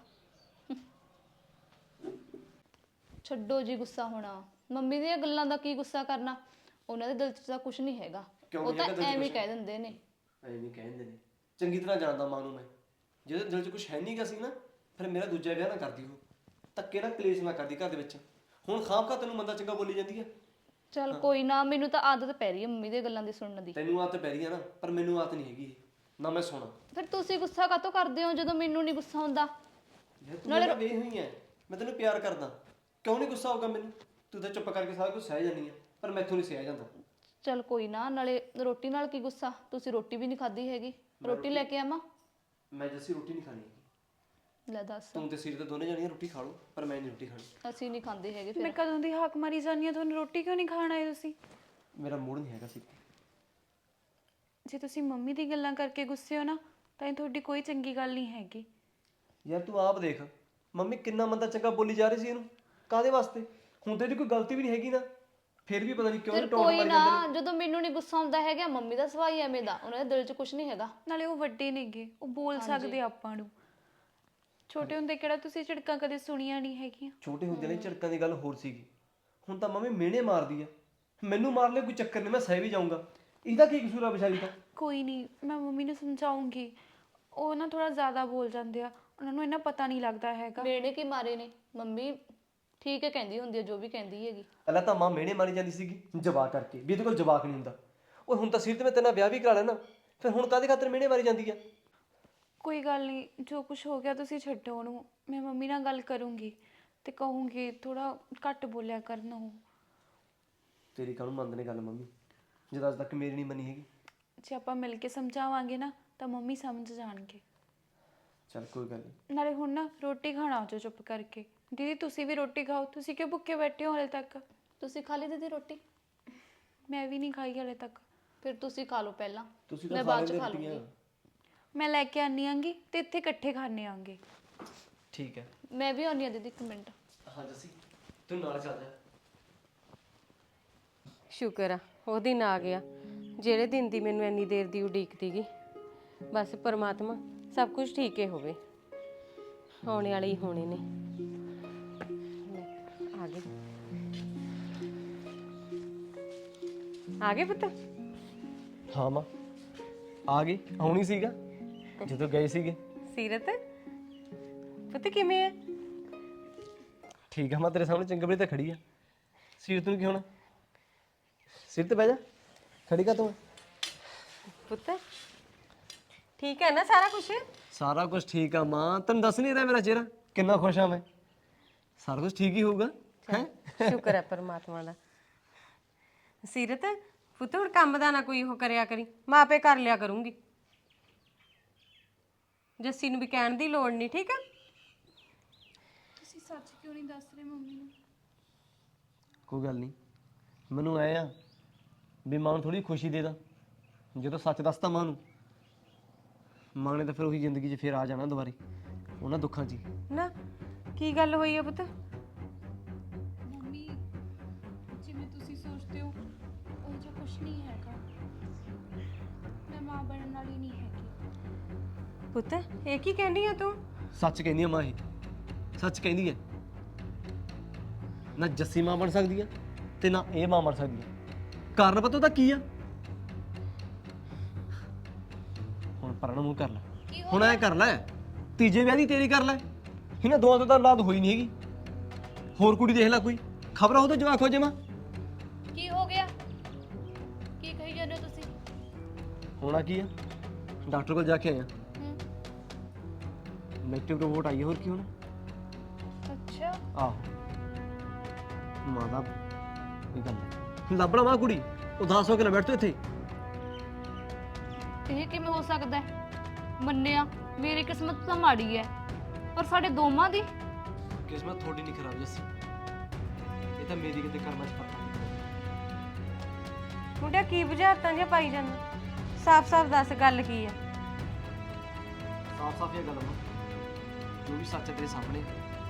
ਛੱਡੋ ਜੀ ਗੁੱਸਾ ਹੋਣਾ, ਮੰਮੀ ਦੀਆਂ ਗੱਲਾਂ ਦਾ ਕੀ ਗੁੱਸਾ ਕਰਨਾ, ਉਹਨਾਂ ਦੇ ਦਿਲ 'ਚ ਤਾਂ ਕੁਝ ਨਹੀਂ ਹੈਗਾ,
ਕਿਉਂ
ਉਹ
ਨਹੀਂ
ਤਾਂ
ਹੈਗਾ ਦਿਲ 'ਚ
ਐਵੇਂ
ਕੁਛ?
ਕਹਿ ਦਿੰਦੇ ਨੇ।
ਐਵੇਂ ਕਹਿੰਦੇ ਨੇ, ਚੰਗੀ ਤਰ੍ਹਾਂ ਜਾਣਦਾ ਮਾਂ ਨੂੰ ਮੈਂ। ਜਿਹਦੇ ਦਿਲ 'ਚ ਕੁਝ ਹੈ ਨਹੀਂਗਾ ਸੀ ਨਾ, ਫਿਰ ਮੇਰਾ ਦੂਜਾ ਵਿਆਹ ਨਾ ਕਰਦੀ ਉਹ, ਧੱਕੇ ਨਾਲ ਕਲੇਸ਼ ਨਾ ਕਰਦੀ ਘਰ ਦੇ ਵਿੱਚ। ਹੁਣ ਖਾਮ ਖਾ ਤੈਨੂੰ ਮੰਦਾ ਚੰਗਾ ਬੋਲੀ ਜਾਂਦੀ ਆ।
ਚਲ ਕੋਈ ਨਾ, ਮੈਨੂੰ ਤਾਂ ਆਦਤ ਪੈ ਰਹੀ ਹੈ ਮੰਮੀ ਦੀਆਂ ਗੱਲਾਂ ਦੀ ਸੁਣਨ ਦੀ।
ਤੈਨੂੰ ਆਦਤ ਪੈ ਰਹੀ ਆ ਨਾ, ਪਰ ਮੈਨੂੰ ਆਦਤ ਨਹੀਂ ਹੈਗੀ ਇਹ, ਨਾ ਮੈਂ ਸੁਣਾ।
ਫਿਰ ਤੁਸੀਂ ਗੁੱਸਾ ਕਾਹਤੋਂ ਕਰਦੇ ਹੋ ਜਦੋਂ ਮੈਨੂੰ ਨਹੀਂ ਗੁੱਸਾ ਹੁੰਦਾ?
ਯਾਰ ਤੂੰ ਮੇਰਾ ਵੇਖ ਹੋਈ ਐ, ਮੈਂ ਤੈਨੂੰ ਪਿਆਰ ਕਰਦਾ, ਕਿਉਂ ਨਹੀਂ ਗੁੱਸਾ ਹੋਊਗਾ ਮੈਨੂੰ? ਤੂੰ ਤਾਂ ਚੁੱਪ ਕਰਕੇ ਸਾਰਾ ਕੁਝ ਸਹਿ ਜਾਂਦੀ ਆ, ਪਰ ਮੈਥੋਂ ਨਹੀਂ ਸਹਿ ਜਾਂਦਾ।
ਚਲ ਕੋਈ ਨਾ, ਨਾਲੇ ਰੋਟੀ ਨਾਲ ਕੀ ਗੁੱਸਾ, ਤੁਸੀਂ ਰੋਟੀ ਵੀ ਨਹੀਂ ਖਾਧੀ ਹੈਗੀ, ਰੋਟੀ ਲੈ ਕੇ ਆਵਾਂ?
ਮੈਂ ਜੱਸੀ ਰੋਟੀ ਨਹੀਂ ਖਾਣੀ ਹੈਗੀ।
ਲੈ ਦੱਸ,
ਤੂੰ ਤੇ ਸਿਰ ਤੇ ਦੋਨੇ ਜਾਣੀਆਂ ਰੋਟੀ ਖਾ ਲਓ, ਪਰ ਮੈਂ ਨਹੀਂ ਰੋਟੀ ਖਾਣੀ।
ਅਸੀਂ ਨਹੀਂ ਖਾਂਦੇ ਹੈਗੇ।
ਮੈਂ
ਫਿਰ
ਕਦੋਂ ਦੀ ਹਾਕ ਮਾਰੀ ਜਾਂਦੀ ਆ, ਤੁਹਾਨੂੰ ਰੋਟੀ ਕਿਉਂ ਨਹੀਂ ਖਾਣ ਆਏ ਤੁਸੀਂ?
ਮੇਰਾ ਮੂਡ ਨਹੀਂ ਹੈਗਾ ਸੀ।
ਜੇ ਤੁਸੀਂ ਮੰਮੀ ਦੀ ਗੱਲਾਂ ਕਰਕੇ ਗੁੱਸੇ ਹੋ ਨਾ, ਤਾਂ ਇਹ ਤੁਹਾਡੀ ਕੋਈ ਚੰਗੀ ਗੱਲ ਨਹੀਂ ਹੈਗੀ।
ਯਾਰ ਤੂੰ ਆਪ ਦੇਖ, ਮੰਮੀ ਕਿੰਨਾ ਮੰਦਾ ਚੰਗਾ ਬੋਲੀ ਜਾ ਰਹੀ ਸੀ ਇਹਨੂੰ, ਕਾਹਦੇ ਵਾਸਤੇ? ਹੁਣ ਤੇ ਇਹਦੀ ਕੋਈ ਗਲਤੀ ਵੀ ਨਹੀਂ ਹੈਗੀ ਨਾ, ਫਿਰ ਵੀ ਪਤਾ ਨਹੀਂ ਕਿਉਂ
ਫਿਰ
ਟੋਨ
ਕੋਈ
ਮਾਰੀ
ਨਾ,
ਜਾਂਦੇ ਨੇ।
ਜਦੋਂ ਮੈਨੂੰ ਨਹੀਂ ਗੁੱਸਾ ਆਉਂਦਾ ਹੈਗਾ, ਮੰਮੀ ਦਾ ਸੁਭਾਅ ਹੀ ਐਵੇਂ ਦਾ, ਉਹਨਾਂ ਦੇ ਦਿਲ 'ਚ ਕੁਝ ਨਹੀਂ ਹੈਗਾ।
ਨਾਲੇ ਉਹ ਵੱਡੇ ਨੇਗੇ, ਉਹ ਬੋਲ ਸਕਦੇ ਆ ਆਪਾਂ ਨੂੰ। ਛੋਟੇ ਹੁੰਦੇ ਕਿਹੜਾ ਤੁਸੀਂ ਝਿੜਕਾਂ ਕਦੇ ਸੁਣੀਆਂ ਨਹੀਂ ਹੈਗੀਆਂ?
ਛੋਟੇ ਹੁੰਦੇ ਨੇ ਝਿੜਕਾਂ ਦੀ ਗੱਲ ਹੋਰ ਸੀਗੀ, ਹੁਣ ਤਾਂ ਮੰਮੀ ਮਿਹਣੇ ਮਾਰਦੀ ਆ। ਮੈਨੂੰ ਮਾਰ ਲੈ ਕੋਈ ਚੱਕਰ ਨਹੀਂ, ਮੈਂ ਸਹਿ ਵੀ ਜਾਊਂਗਾ। ਇਹਦਾ ਕੀ ਕਸੂਰ ਆ ਵਿਚਾਰੀ ਦਾ?
ਕੋਈ ਨਹੀਂ, ਮੈਂ ਮੰਮੀ ਨੂੰ ਸਮਝਾਉਂਗੀ। ਉਹ ਨਾ ਥੋੜਾ ਜ਼ਿਆਦਾ ਬੋਲ ਜਾਂਦੇ ਆ, ਉਹਨਾਂ ਨੂੰ ਇੰਨਾ ਪਤਾ ਨਹੀਂ ਲੱਗਦਾ ਹੈਗਾ।
ਮੇਨੇ ਕੀ ਮਾਰੇ ਨੇ ਮੰਮੀ, ਠੀਕ ਹੈ ਕਹਿੰਦੀ ਹੁੰਦੀ ਹੈ ਜੋ ਵੀ ਕਹਿੰਦੀ ਹੈਗੀ।
ਪਹਿਲਾਂ ਤਾਂ ਮਾਂ ਮਿਹਣੇ ਮਾਰੀ ਜਾਂਦੀ ਸੀਗੀ ਜਵਾਕ ਕਰਕੇ, ਵੀ ਇਹਦੇ ਕੋਲ ਜਵਾਕ ਨਹੀਂ ਹੁੰਦਾ। ਉਹ ਹੁਣ ਤਾਂ ਸਿਰ ਤੇ ਮੈਂ ਤੇਨਾਂ ਵਿਆਹ ਵੀ ਕਰਾ ਲੈਣਾ, ਫਿਰ ਹੁਣ ਕਾਹਦੇ ਖਾਤਰ ਮਿਹਣੇ ਮਾਰੀ ਜਾਂਦੀ ਆ?
ਕੋਈ ਗੱਲ ਨਹੀਂ, ਜੋ ਕੁਝ ਹੋ ਗਿਆ ਤੁਸੀਂ ਛੱਡੋ ਉਹਨੂੰ। ਮੈਂ ਮੰਮੀ ਨਾਲ ਗੱਲ ਕਰੂੰਗੀ ਤੇ ਕਹੂੰਗੀ ਥੋੜਾ ਘੱਟ ਬੋਲਿਆ ਕਰਨ ਉਹ।
ਤੇਰੀ ਕਾਹਨੂੰ ਮੰਨਦੇ ਨੇ ਗੱਲ ਮੰਮੀ, ਜਦ ਅੱਜ ਤੱਕ ਮੇਰੀ ਨਹੀਂ ਮੰਨੀ ਹੈਗੀ।
ਜੇ ਆਪਾਂ ਮਿਲ ਕੇ ਸਮਝਾਵਾਂਗੇ ਨਾ ਤਾਂ ਮੰਮੀ ਸਮਝ ਜਾਣਗੇ।
ਚੱਲ ਕੋਈ ਗੱਲ ਨਹੀਂ।
ਨਾਲੇ ਹੁਣ ਨਾ ਰੋਟੀ ਖਾਣਾ ਆਜੋ ਚੁੱਪ ਕਰਕੇ। ਦੀਦੀ ਤੁਸੀਂ ਵੀ ਰੋਟੀ ਖਾਓ, ਤੁਸੀਂ ਕਿਉਂ ਭੁੱਖੇ ਬੈਠੇ ਹੋ ਹਲੇ ਤੱਕ?
ਤੁਸੀਂ ਖਾ ਲਈ ਦੀਦੀ ਰੋਟੀ?
ਮੈਂ ਵੀ ਨਹੀਂ ਖਾਈ ਹਲੇ ਤੱਕ।
ਫਿਰ ਤੁਸੀਂ ਖਾ ਲਓ ਪਹਿਲਾਂ,
ਤੁਸੀਂ
ਮੈਂ
ਤਾਂ
ਬਾਅਦ
ਸਾਰੇ
ਚ ਖਾ
ਰੋਟੀਆਂ।
ਲੂੰਗੀ।
ਮੈਂ ਲੈ ਕੇ ਆਨੀ ਆਂਗੀ ਤੇ ਇੱਥੇ ਇਕੱਠੇ ਖਾਣੇ ਆਂਗੇ।
ਠੀਕ ਹੈ।
ਮੈਂ ਵੀ ਆਉਂਦੀ ਹਾਂ ਦੀਦੀ, ਇੱਕ ਮਿੰਟ।
ਹਾਂ ਜੱਸੀ, ਤੂੰ ਨਾਲ ਚੱਲ ਜਾ।
ਸ਼ੁਕਰ ਆ ਉਹ ਦਿਨ ਆ ਗਿਆ ਜਿਹੜੇ ਦਿਨ ਦੀ ਮੈਨੂੰ ਇੰਨੀ ਦੇਰ ਦੀ ਉਡੀਕ ਸੀਗੀ। ਬਸ ਪਰਮਾਤਮਾ ਸਭ ਕੁਝ ਠੀਕ ਹੀ ਹੋਵੇ, ਹੋਣੇ ਵਾਲੇ ਹੀ ਹੋਣੇ ਨੇ। ਲੈ, ਆ ਗਏ ਆ ਗਏ ਪੁੱਤ।
ਹਾਂ ਮਾਂ ਆ ਗਈ, ਆਉਣੀ ਸੀਗਾ ਜਦੋਂ ਗਏ ਸੀਗੇ।
ਸੀਰਤ ਪੁੱਤ ਕਿਵੇਂ ਆ?
ਠੀਕ ਆ ਮਾਂ, ਤੇਰੇ ਸਾਹਮਣੇ ਚੰਗੇ ਬੜੇ ਤਾਂ ਖੜੀ ਆ। ਸੀਰਤ ਨੂੰ ਕੀ ਹੋਣਾ? ਸਿਰ ਤੇ ਬਹਿ ਜਾ, ਖੜੀ ਕਾ ਤੂੰ?
ਪੁੱਤ ਠੀਕ ਹੈ ਨਾ ਸਾਰਾ ਕੁਝ?
ਸਾਰਾ ਕੁਝ ਠੀਕ ਆ ਮਾਂ, ਤੈਨੂੰ ਦੱਸ ਨਹੀਂ ਰਿਹਾ ਮੇਰਾ ਚਿਹਰਾ ਕਿੰਨਾ ਖੁਸ਼ ਆ ਮੈਂ। ਸਾਰਾ ਕੁਝ ਠੀਕ ਹੀ ਹੋਊਗਾ ਹੈ।
ਸ਼ੁਕਰ ਹੈ ਪਰਮਾਤਮਾ ਦਾ। ਸੀਰਤ ਪੁੱਤ ਹੁਣ ਕੰਮ ਦਾ ਨਾ ਕੋਈ ਉਹ ਕਰਿਆ ਕਰੀ, ਮੈਂ ਆਪੇ ਕਰ ਲਿਆ ਕਰੂੰਗੀ। ਜੱਸੀ ਨੂੰ ਵੀ ਕਹਿਣ ਦੀ ਲੋੜ ਨਹੀਂ, ਠੀਕ ਆ?
ਤੁਸੀਂ ਸੱਚ ਕਿਉਂ ਨਹੀਂ ਦੱਸ ਰਹੇ ਮੰਮੀ ਨੂੰ?
ਕੋਈ ਗੱਲ ਨਹੀਂ, ਮੈਨੂੰ ਐ ਆ ਵੀ ਮਾਂ ਨੂੰ ਥੋੜੀ ਖੁਸ਼ੀ ਦੇ ਦਾਂ। ਜਦੋਂ ਸੱਚ ਦੱਸਤਾ ਮਾਂ ਨੂੰ, ਮਾਂ ਨੇ ਤਾਂ ਫਿਰ ਉਹੀ ਜ਼ਿੰਦਗੀ 'ਚ ਫਿਰ ਆ ਜਾਣਾ ਦੁਬਾਰੇ, ਉਹਨਾਂ ਦੁੱਖਾਂ 'ਚ ਹੀ।
ਨਾ ਕੀ ਗੱਲ ਹੋਈ ਆ ਪੁੱਤ?
ਮੰਮੀ ਜਿਵੇਂ ਤੁਸੀਂ ਸੋਚਦੇ ਹੋ ਉਹ 'ਚ ਕੁਝ ਨਹੀਂ ਹੈਗਾ। ਮੈਂ ਮਾਂ ਬਣਨ ਵਾਲੀ ਨਹੀਂ ਹੈਗੀ।
ਪੁੱਤ ਇਹ ਕੀ ਕਹਿੰਦੀ ਆ ਤੂੰ?
ਸੱਚ ਕਹਿੰਦੀ ਆ ਮਾਂ, ਇਹ ਸੱਚ ਕਹਿੰਦੀ ਹੈ। ਨਾ ਜੱਸੀ ਮਾਂ ਬਣ ਸਕਦੀ ਆ ਤੇ ਨਾ ਇਹ ਮਾਂ ਬਣ ਸਕਦੀ ਆ। ਕਾਰਨ ਪਤਾ ਉਹਦਾ ਕੀ ਆ? ਹੁਣ ਪਰਨ ਮੂੰਹ ਕਰ ਲੈ, ਹੁਣ ਐ ਕਰ ਲੈ, ਤੀਜੇ ਵਿਆਹ ਦੀ ਤੇਰੀ ਕਰ ਲੈ। ਇਹਨਾਂ ਦੋਵਾਂ ਤੋਂ ਤਾਂ ਔਲਾਦ ਹੋਈ ਨਹੀਂ ਹੈਗੀ। ਹੋਰ ਕੁੜੀ ਦੇਖ ਲੈ ਕੋਈ, ਖਬਰ ਹੋ ਤਾਂ ਜਵਾਕ ਹੋ ਜਾਵਾਂ।
ਕੀ ਹੋ ਗਿਆ? ਕੀ ਕਹੀ ਜਾਂਦੇ ਹੋ ਤੁਸੀਂ?
ਹੋਣਾ ਕੀ ਆ, ਡਾਕਟਰ ਕੋਲ ਜਾ ਕੇ ਆਇਆ,
ਹੂੰ।
ਨੈਗੇਟਿਵ ਰਿਪੋਰਟ ਆਈ ਹੈ। ਹੋਰ ਕੀ ਹੋਣਾ?
ਅੱਛਾ।
ਆਹੋ ਮਾਂ ਦਾ ਇਹ ਗੱਲ ਲੱਭਣਾ ਮਾਂ ਕੁੜੀ ਉਦਾਸ ਹੋ ਕੇ ਨਾ ਬੈਠ ਤੂੰ ਇੱਥੇ।
ਇਹ ਕਿਵੇਂ ਹੋ ਸਕਦਾ ਹੈ? ਮੰਨਿਆ ਮੇਰੀ ਕਿਸਮਤ ਤਾਂ ਮਾੜੀ ਹੈ, ਪਰ ਸਾਡੇ ਦੋਵਾਂ ਦੀ
ਕਿਸਮਤ ਤੁਹਾਡੀ ਨਹੀਂ ਖਰਾਬ ਜੱਸੀ, ਇਹ ਤਾਂ ਮੇਰੀ ਕਿਤੇ ਕਰਮਾਂ 'ਚ ਫਰਕ ਹੈ।
ਮੁੰਡਿਆ ਕੀ ਬੁਝਾਰਤਾਂ ਜਿਹਾ ਪਾਈ ਜਾਂਦਾ? ਸਾਫ਼-ਸਾਫ਼ ਦੱਸ ਗੱਲ ਕੀ ਆ?
ਸਾਫ਼ ਸਾਫ਼ ਇਹ ਗੱਲ ਮਾਂ, ਜੋ ਵੀ ਸੱਚ ਹੈ ਤੇਰੇ ਸਾਹਮਣੇ।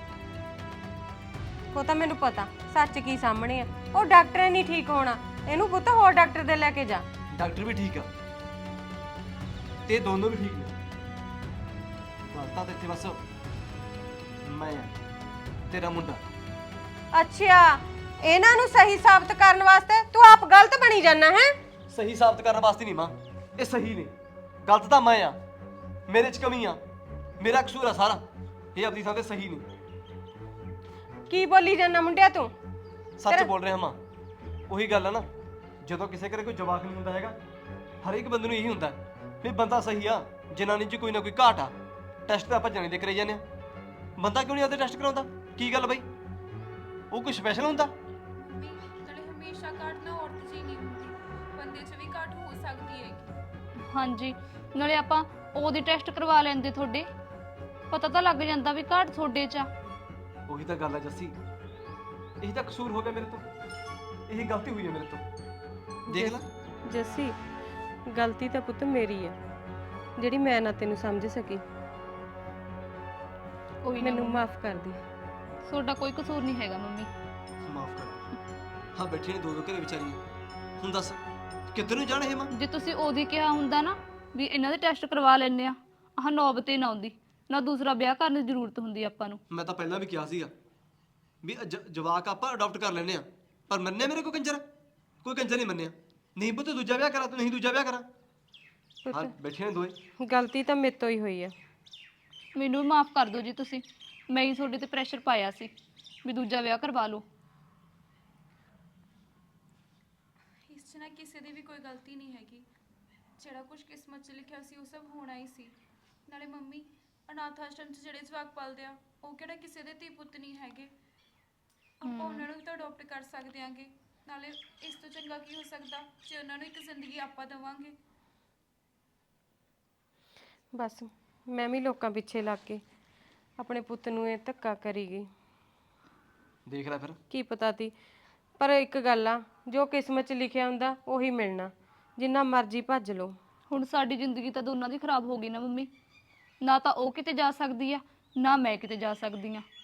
ਉਹ ਤਾਂ ਮੈਨੂੰ ਪਤਾ ਸੱਚ ਕੀ ਸਾਹਮਣੇ ਆ। ਉਹ ਡਾਕਟਰ ਨਹੀਂ ਠੀਕ ਹੋਣਾ, ਇਹਨੂੰ ਪੁੱਤ ਹੋਰ ਡਾਕਟਰ ਦੇ ਲੈ ਕੇ ਜਾ।
ਡਾਕਟਰ ਵੀ ਠੀਕ ਆ ਤੇ ਦੋਨੋਂ ਵੀ ਠੀਕ ਨੇ। ਗਲਤਾਂ ਤਾਂ ਇੱਥੇ ਬਸ ਮੈਂ ਆ, ਤੇਰਾ ਮੁੰਡਾ।
ਅੱਛਾ, ਇਹਨਾਂ ਨੂੰ ਸਹੀ ਸਾਬਤ ਕਰਨ ਵਾਸਤੇ ਤੂੰ ਆਪ ਗਲਤ ਬਣੀ ਜਾਂਦਾ ਹੈ?
ਸਹੀ ਸਾਬਤ ਕਰਨ ਵਾਸਤੇ ਨਹੀਂ ਮਾਂ, ਇਹ ਸਹੀ ਨੇ। ਗਲਤ ਤਾਂ ਮੈਂ ਆ, ਮੇਰੇ 'ਚ ਕਮੀ ਆ, ਮੇਰਾ ਕਸੂਰ ਆ ਸਾਰਾ। ਇਹ ਆਪਣੀ ਥਾਂ ਤੇ ਸਹੀ ਨੇ।
ਕੀ ਬੋਲੀ ਜਾਂਦਾ ਮੁੰਡਿਆ ਤੂੰ?
ਸੱਚ ਬੋਲ ਰਿਹਾ ਮਾਂ। ਉਹੀ ਗੱਲ ਆ ਨਾ, ਜਦੋਂ ਕਿਸੇ ਘਰੇ ਕੋਈ ਜਵਾਕ ਨਹੀਂ ਹੁੰਦਾ ਹੈਗਾ, ਹਰ ਇੱਕ ਬੰਦੇ ਨੂੰ ਇਹੀ ਹੁੰਦਾ ਵੀ ਬੰਦਾ ਸਹੀ ਆ, ਜਨਾਨੀ 'ਚ ਕੋਈ ਨਾ ਕੋਈ ਘਾਟ ਆ। ਟੈਸਟ ਤਾਂ ਆਪਾਂ ਜਾਣੇ ਦੇ ਕਰਾਈ ਜਾਂਦੇ ਆ, ਬੰਦਾ ਕਿਉਂ ਨਹੀਂ ਆਪਦੇ ਟੈਸਟ ਕਰਾਉਂਦਾ? ਕੀ ਗੱਲ ਬਈ, ਉਹ ਕੋਈ ਸਪੈਸ਼ਲ ਹੁੰਦਾ?
ਮੰਮੀ ਨਾਲੇ ਹਮੇਸ਼ਾ ਘਾਟ ਨਾ ਔਰਤ 'ਚ ਹੀ ਨਹੀਂ ਹੁੰਦੀ, ਬੰਦੇ 'ਚ ਵੀ ਘਾਟ ਹੋ ਸਕਦੀ ਹੈ।
ਹਾਂਜੀ, ਨਾਲੇ ਆਪਾਂ ਉਹਦੀ ਟੈਸਟ ਕਰਵਾ ਲੈਂਦੇ, ਤੁਹਾਡੇ ਪਤਾ ਤਾਂ ਲੱਗ ਜਾਂਦਾ ਵੀ ਘਾਟ ਤੁਹਾਡੇ 'ਚ ਆ।
ਉਹੀ ਤਾਂ ਗੱਲ ਆ ਜੱਸੀ, ਇਹੀ ਤਾਂ ਕਸੂਰ ਹੋ ਗਿਆ ਮੇਰੇ ਤੋਂ, ਇਹੀ ਗਲਤੀ ਹੋਈ ਹੈ ਮੇਰੇ ਤੋਂ। ਦੇਖ ਲੈ
ਜੱਸੀ, ਗਲਤੀ ਤਾਂ ਪੁੱਤ ਮੇਰੀ ਆ ਜਿਹੜੀ ਮੈਂ ਨਾ ਤੈਨੂੰ ਸਮਝ ਸਕੀ।
ਕੋਈ
ਮੈਨੂੰ ਮਾਫ ਕਰ ਦੇ।
ਤੁਹਾਡਾ ਕੋਈ ਕਸੂਰ ਨਹੀਂ ਹੈਗਾ ਮੰਮੀ।
ਮਾਫ ਕਰ। ਹਾਂ ਬੈਠੇ ਨੇ ਦੋ ਦੋ ਘਰੇ ਵਿਚਾਰੀਆਂ, ਹੁਣ ਦੱਸ ਕਿੱਧਰ ਨੂੰ ਜਾਣ ਇਹ ਮਾਂ?
ਜੇ ਤੁਸੀਂ ਉਹਦੀ ਕਿਹਾ ਹੁੰਦਾ ਨਾ ਵੀ ਇਹਨਾਂ ਦੇ ਟੈਸਟ ਕਰਵਾ ਲੈਣੇ ਆ, ਆਹ ਨੌਬਤ ਹੀ ਨਾ ਆਉਂਦੀ, ਨਾ ਦੂਸਰਾ ਵਿਆਹ ਕਰਨ ਦੀ ਜ਼ਰੂਰਤ ਹੁੰਦੀ ਆਪਾਂ ਨੂੰ।
ਮੈਂ ਤਾਂ ਪਹਿਲਾਂ ਵੀ ਕਿਹਾ ਸੀਗਾ ਵੀ ਜ- ਜਵਾਕ ਆਪਾਂ ਅਡਾਪਟ ਕਰ ਲੈਨੇ ਆ, ਪਰ ਮੰਨਿਆ ਮੇਰੇ ਕੋਈ ਕੰਜਰ? ਕੋਈ ਕੰਜਰ ਨਹੀਂ ਮੰਨਿਆ। ਨਹੀਂ ਪੁੱਤ ਦੂਜਾ ਵਿਆਹ ਕਰਾ, ਤੂੰ ਨਹੀਂ ਦੂਜਾ ਵਿਆਹ ਕਰਾ। ਹਾਂ ਬੈਠੇ ਨੇ ਦੋਏ।
ਗਲਤੀ ਤਾਂ ਮੇਰੇ ਤੋਂ ਹੀ ਹੋਈ ਆ।
ਮੈਨੂੰ ਮਾਫ ਕਰ ਦਿਓ ਜੀ ਤੁਸੀਂ, ਮੈਂ ਹੀ ਤੁਹਾਡੇ ਤੇ ਪ੍ਰੈਸ਼ਰ ਪਾਇਆ ਸੀ ਵੀ ਦੂਜਾ ਵਿਆਹ ਕਰਵਾ ਲਓ।
ਇਸ 'ਚ ਨਾ ਕਿਸੇ ਦੀ ਵੀ ਕੋਈ ਗਲਤੀ ਨਹੀਂ ਹੈਗੀ। ਜਿਹੜਾ ਕੁਝ ਕਿਸਮਤ 'ਚ ਲਿਖਿਆ ਸੀ ਉਹ ਸਭ ਹੋਣਾ ਹੀ ਸੀ। ਨਾਲੇ ਮੰਮੀ, ਅਨਾਥ ਆਸ਼ਰਮ 'ਚ ਜਿਹੜੇ ਜਵਾਕ ਪਲਦੇ ਆ ਉਹ ਕਿਹੜਾ ਕਿਸੇ ਦੇ ਧੀ ਪੁੱਤ ਨਹੀਂ ਹੈਗੇ। ਆਪਾਂ ਉਹਨਾਂ ਨੂੰ ਤਾਂ ਅਡਾਪਟ ਕਰ ਸਕਦੇ ਆਂਗੇ। ਨਾਲੇ ਇਸ ਤੋਂ ਚੰਗਾ ਕੀ ਹੋ ਸਕਦਾ ਜੇ ਉਹਨਾਂ ਨੂੰ ਇੱਕ ਜ਼ਿੰਦਗੀ ਆਪਾਂ ਦੇਵਾਂਗੇ।
ਬਸ ਮੈਂ ਵੀ ਲੋਕਾਂ ਪਿੱਛੇ ਲੱਗ ਕੇ ਆਪਣੇ ਪੁੱਤ ਨੂੰ ਇਹ ਧੱਕਾ ਕਰੀ ਗਈ।
ਦੇਖ ਲੈ ਫਿਰ।
ਕੀ ਪਤਾ ਤੀ, ਪਰ ਇੱਕ ਗੱਲ ਆ, ਜੋ ਕਿਸਮਤ 'ਚ ਲਿਖਿਆ ਹੁੰਦਾ ਉਹੀ ਮਿਲਣਾ, ਜਿੰਨਾ ਮਰਜ਼ੀ ਭੱਜ ਲਓ।
ਹੁਣ ਸਾਡੀ ਜ਼ਿੰਦਗੀ ਤਾਂ ਦੋਨਾਂ ਦੀ ਖਰਾਬ ਹੋ ਗਈ ਨਾ ਮੰਮੀ। ਨਾ ਤਾਂ ਉਹ ਕਿਤੇ ਜਾ ਸਕਦੀ ਆ, ਨਾ ਮੈਂ ਕਿਤੇ ਜਾ ਸਕਦੀ ਆ।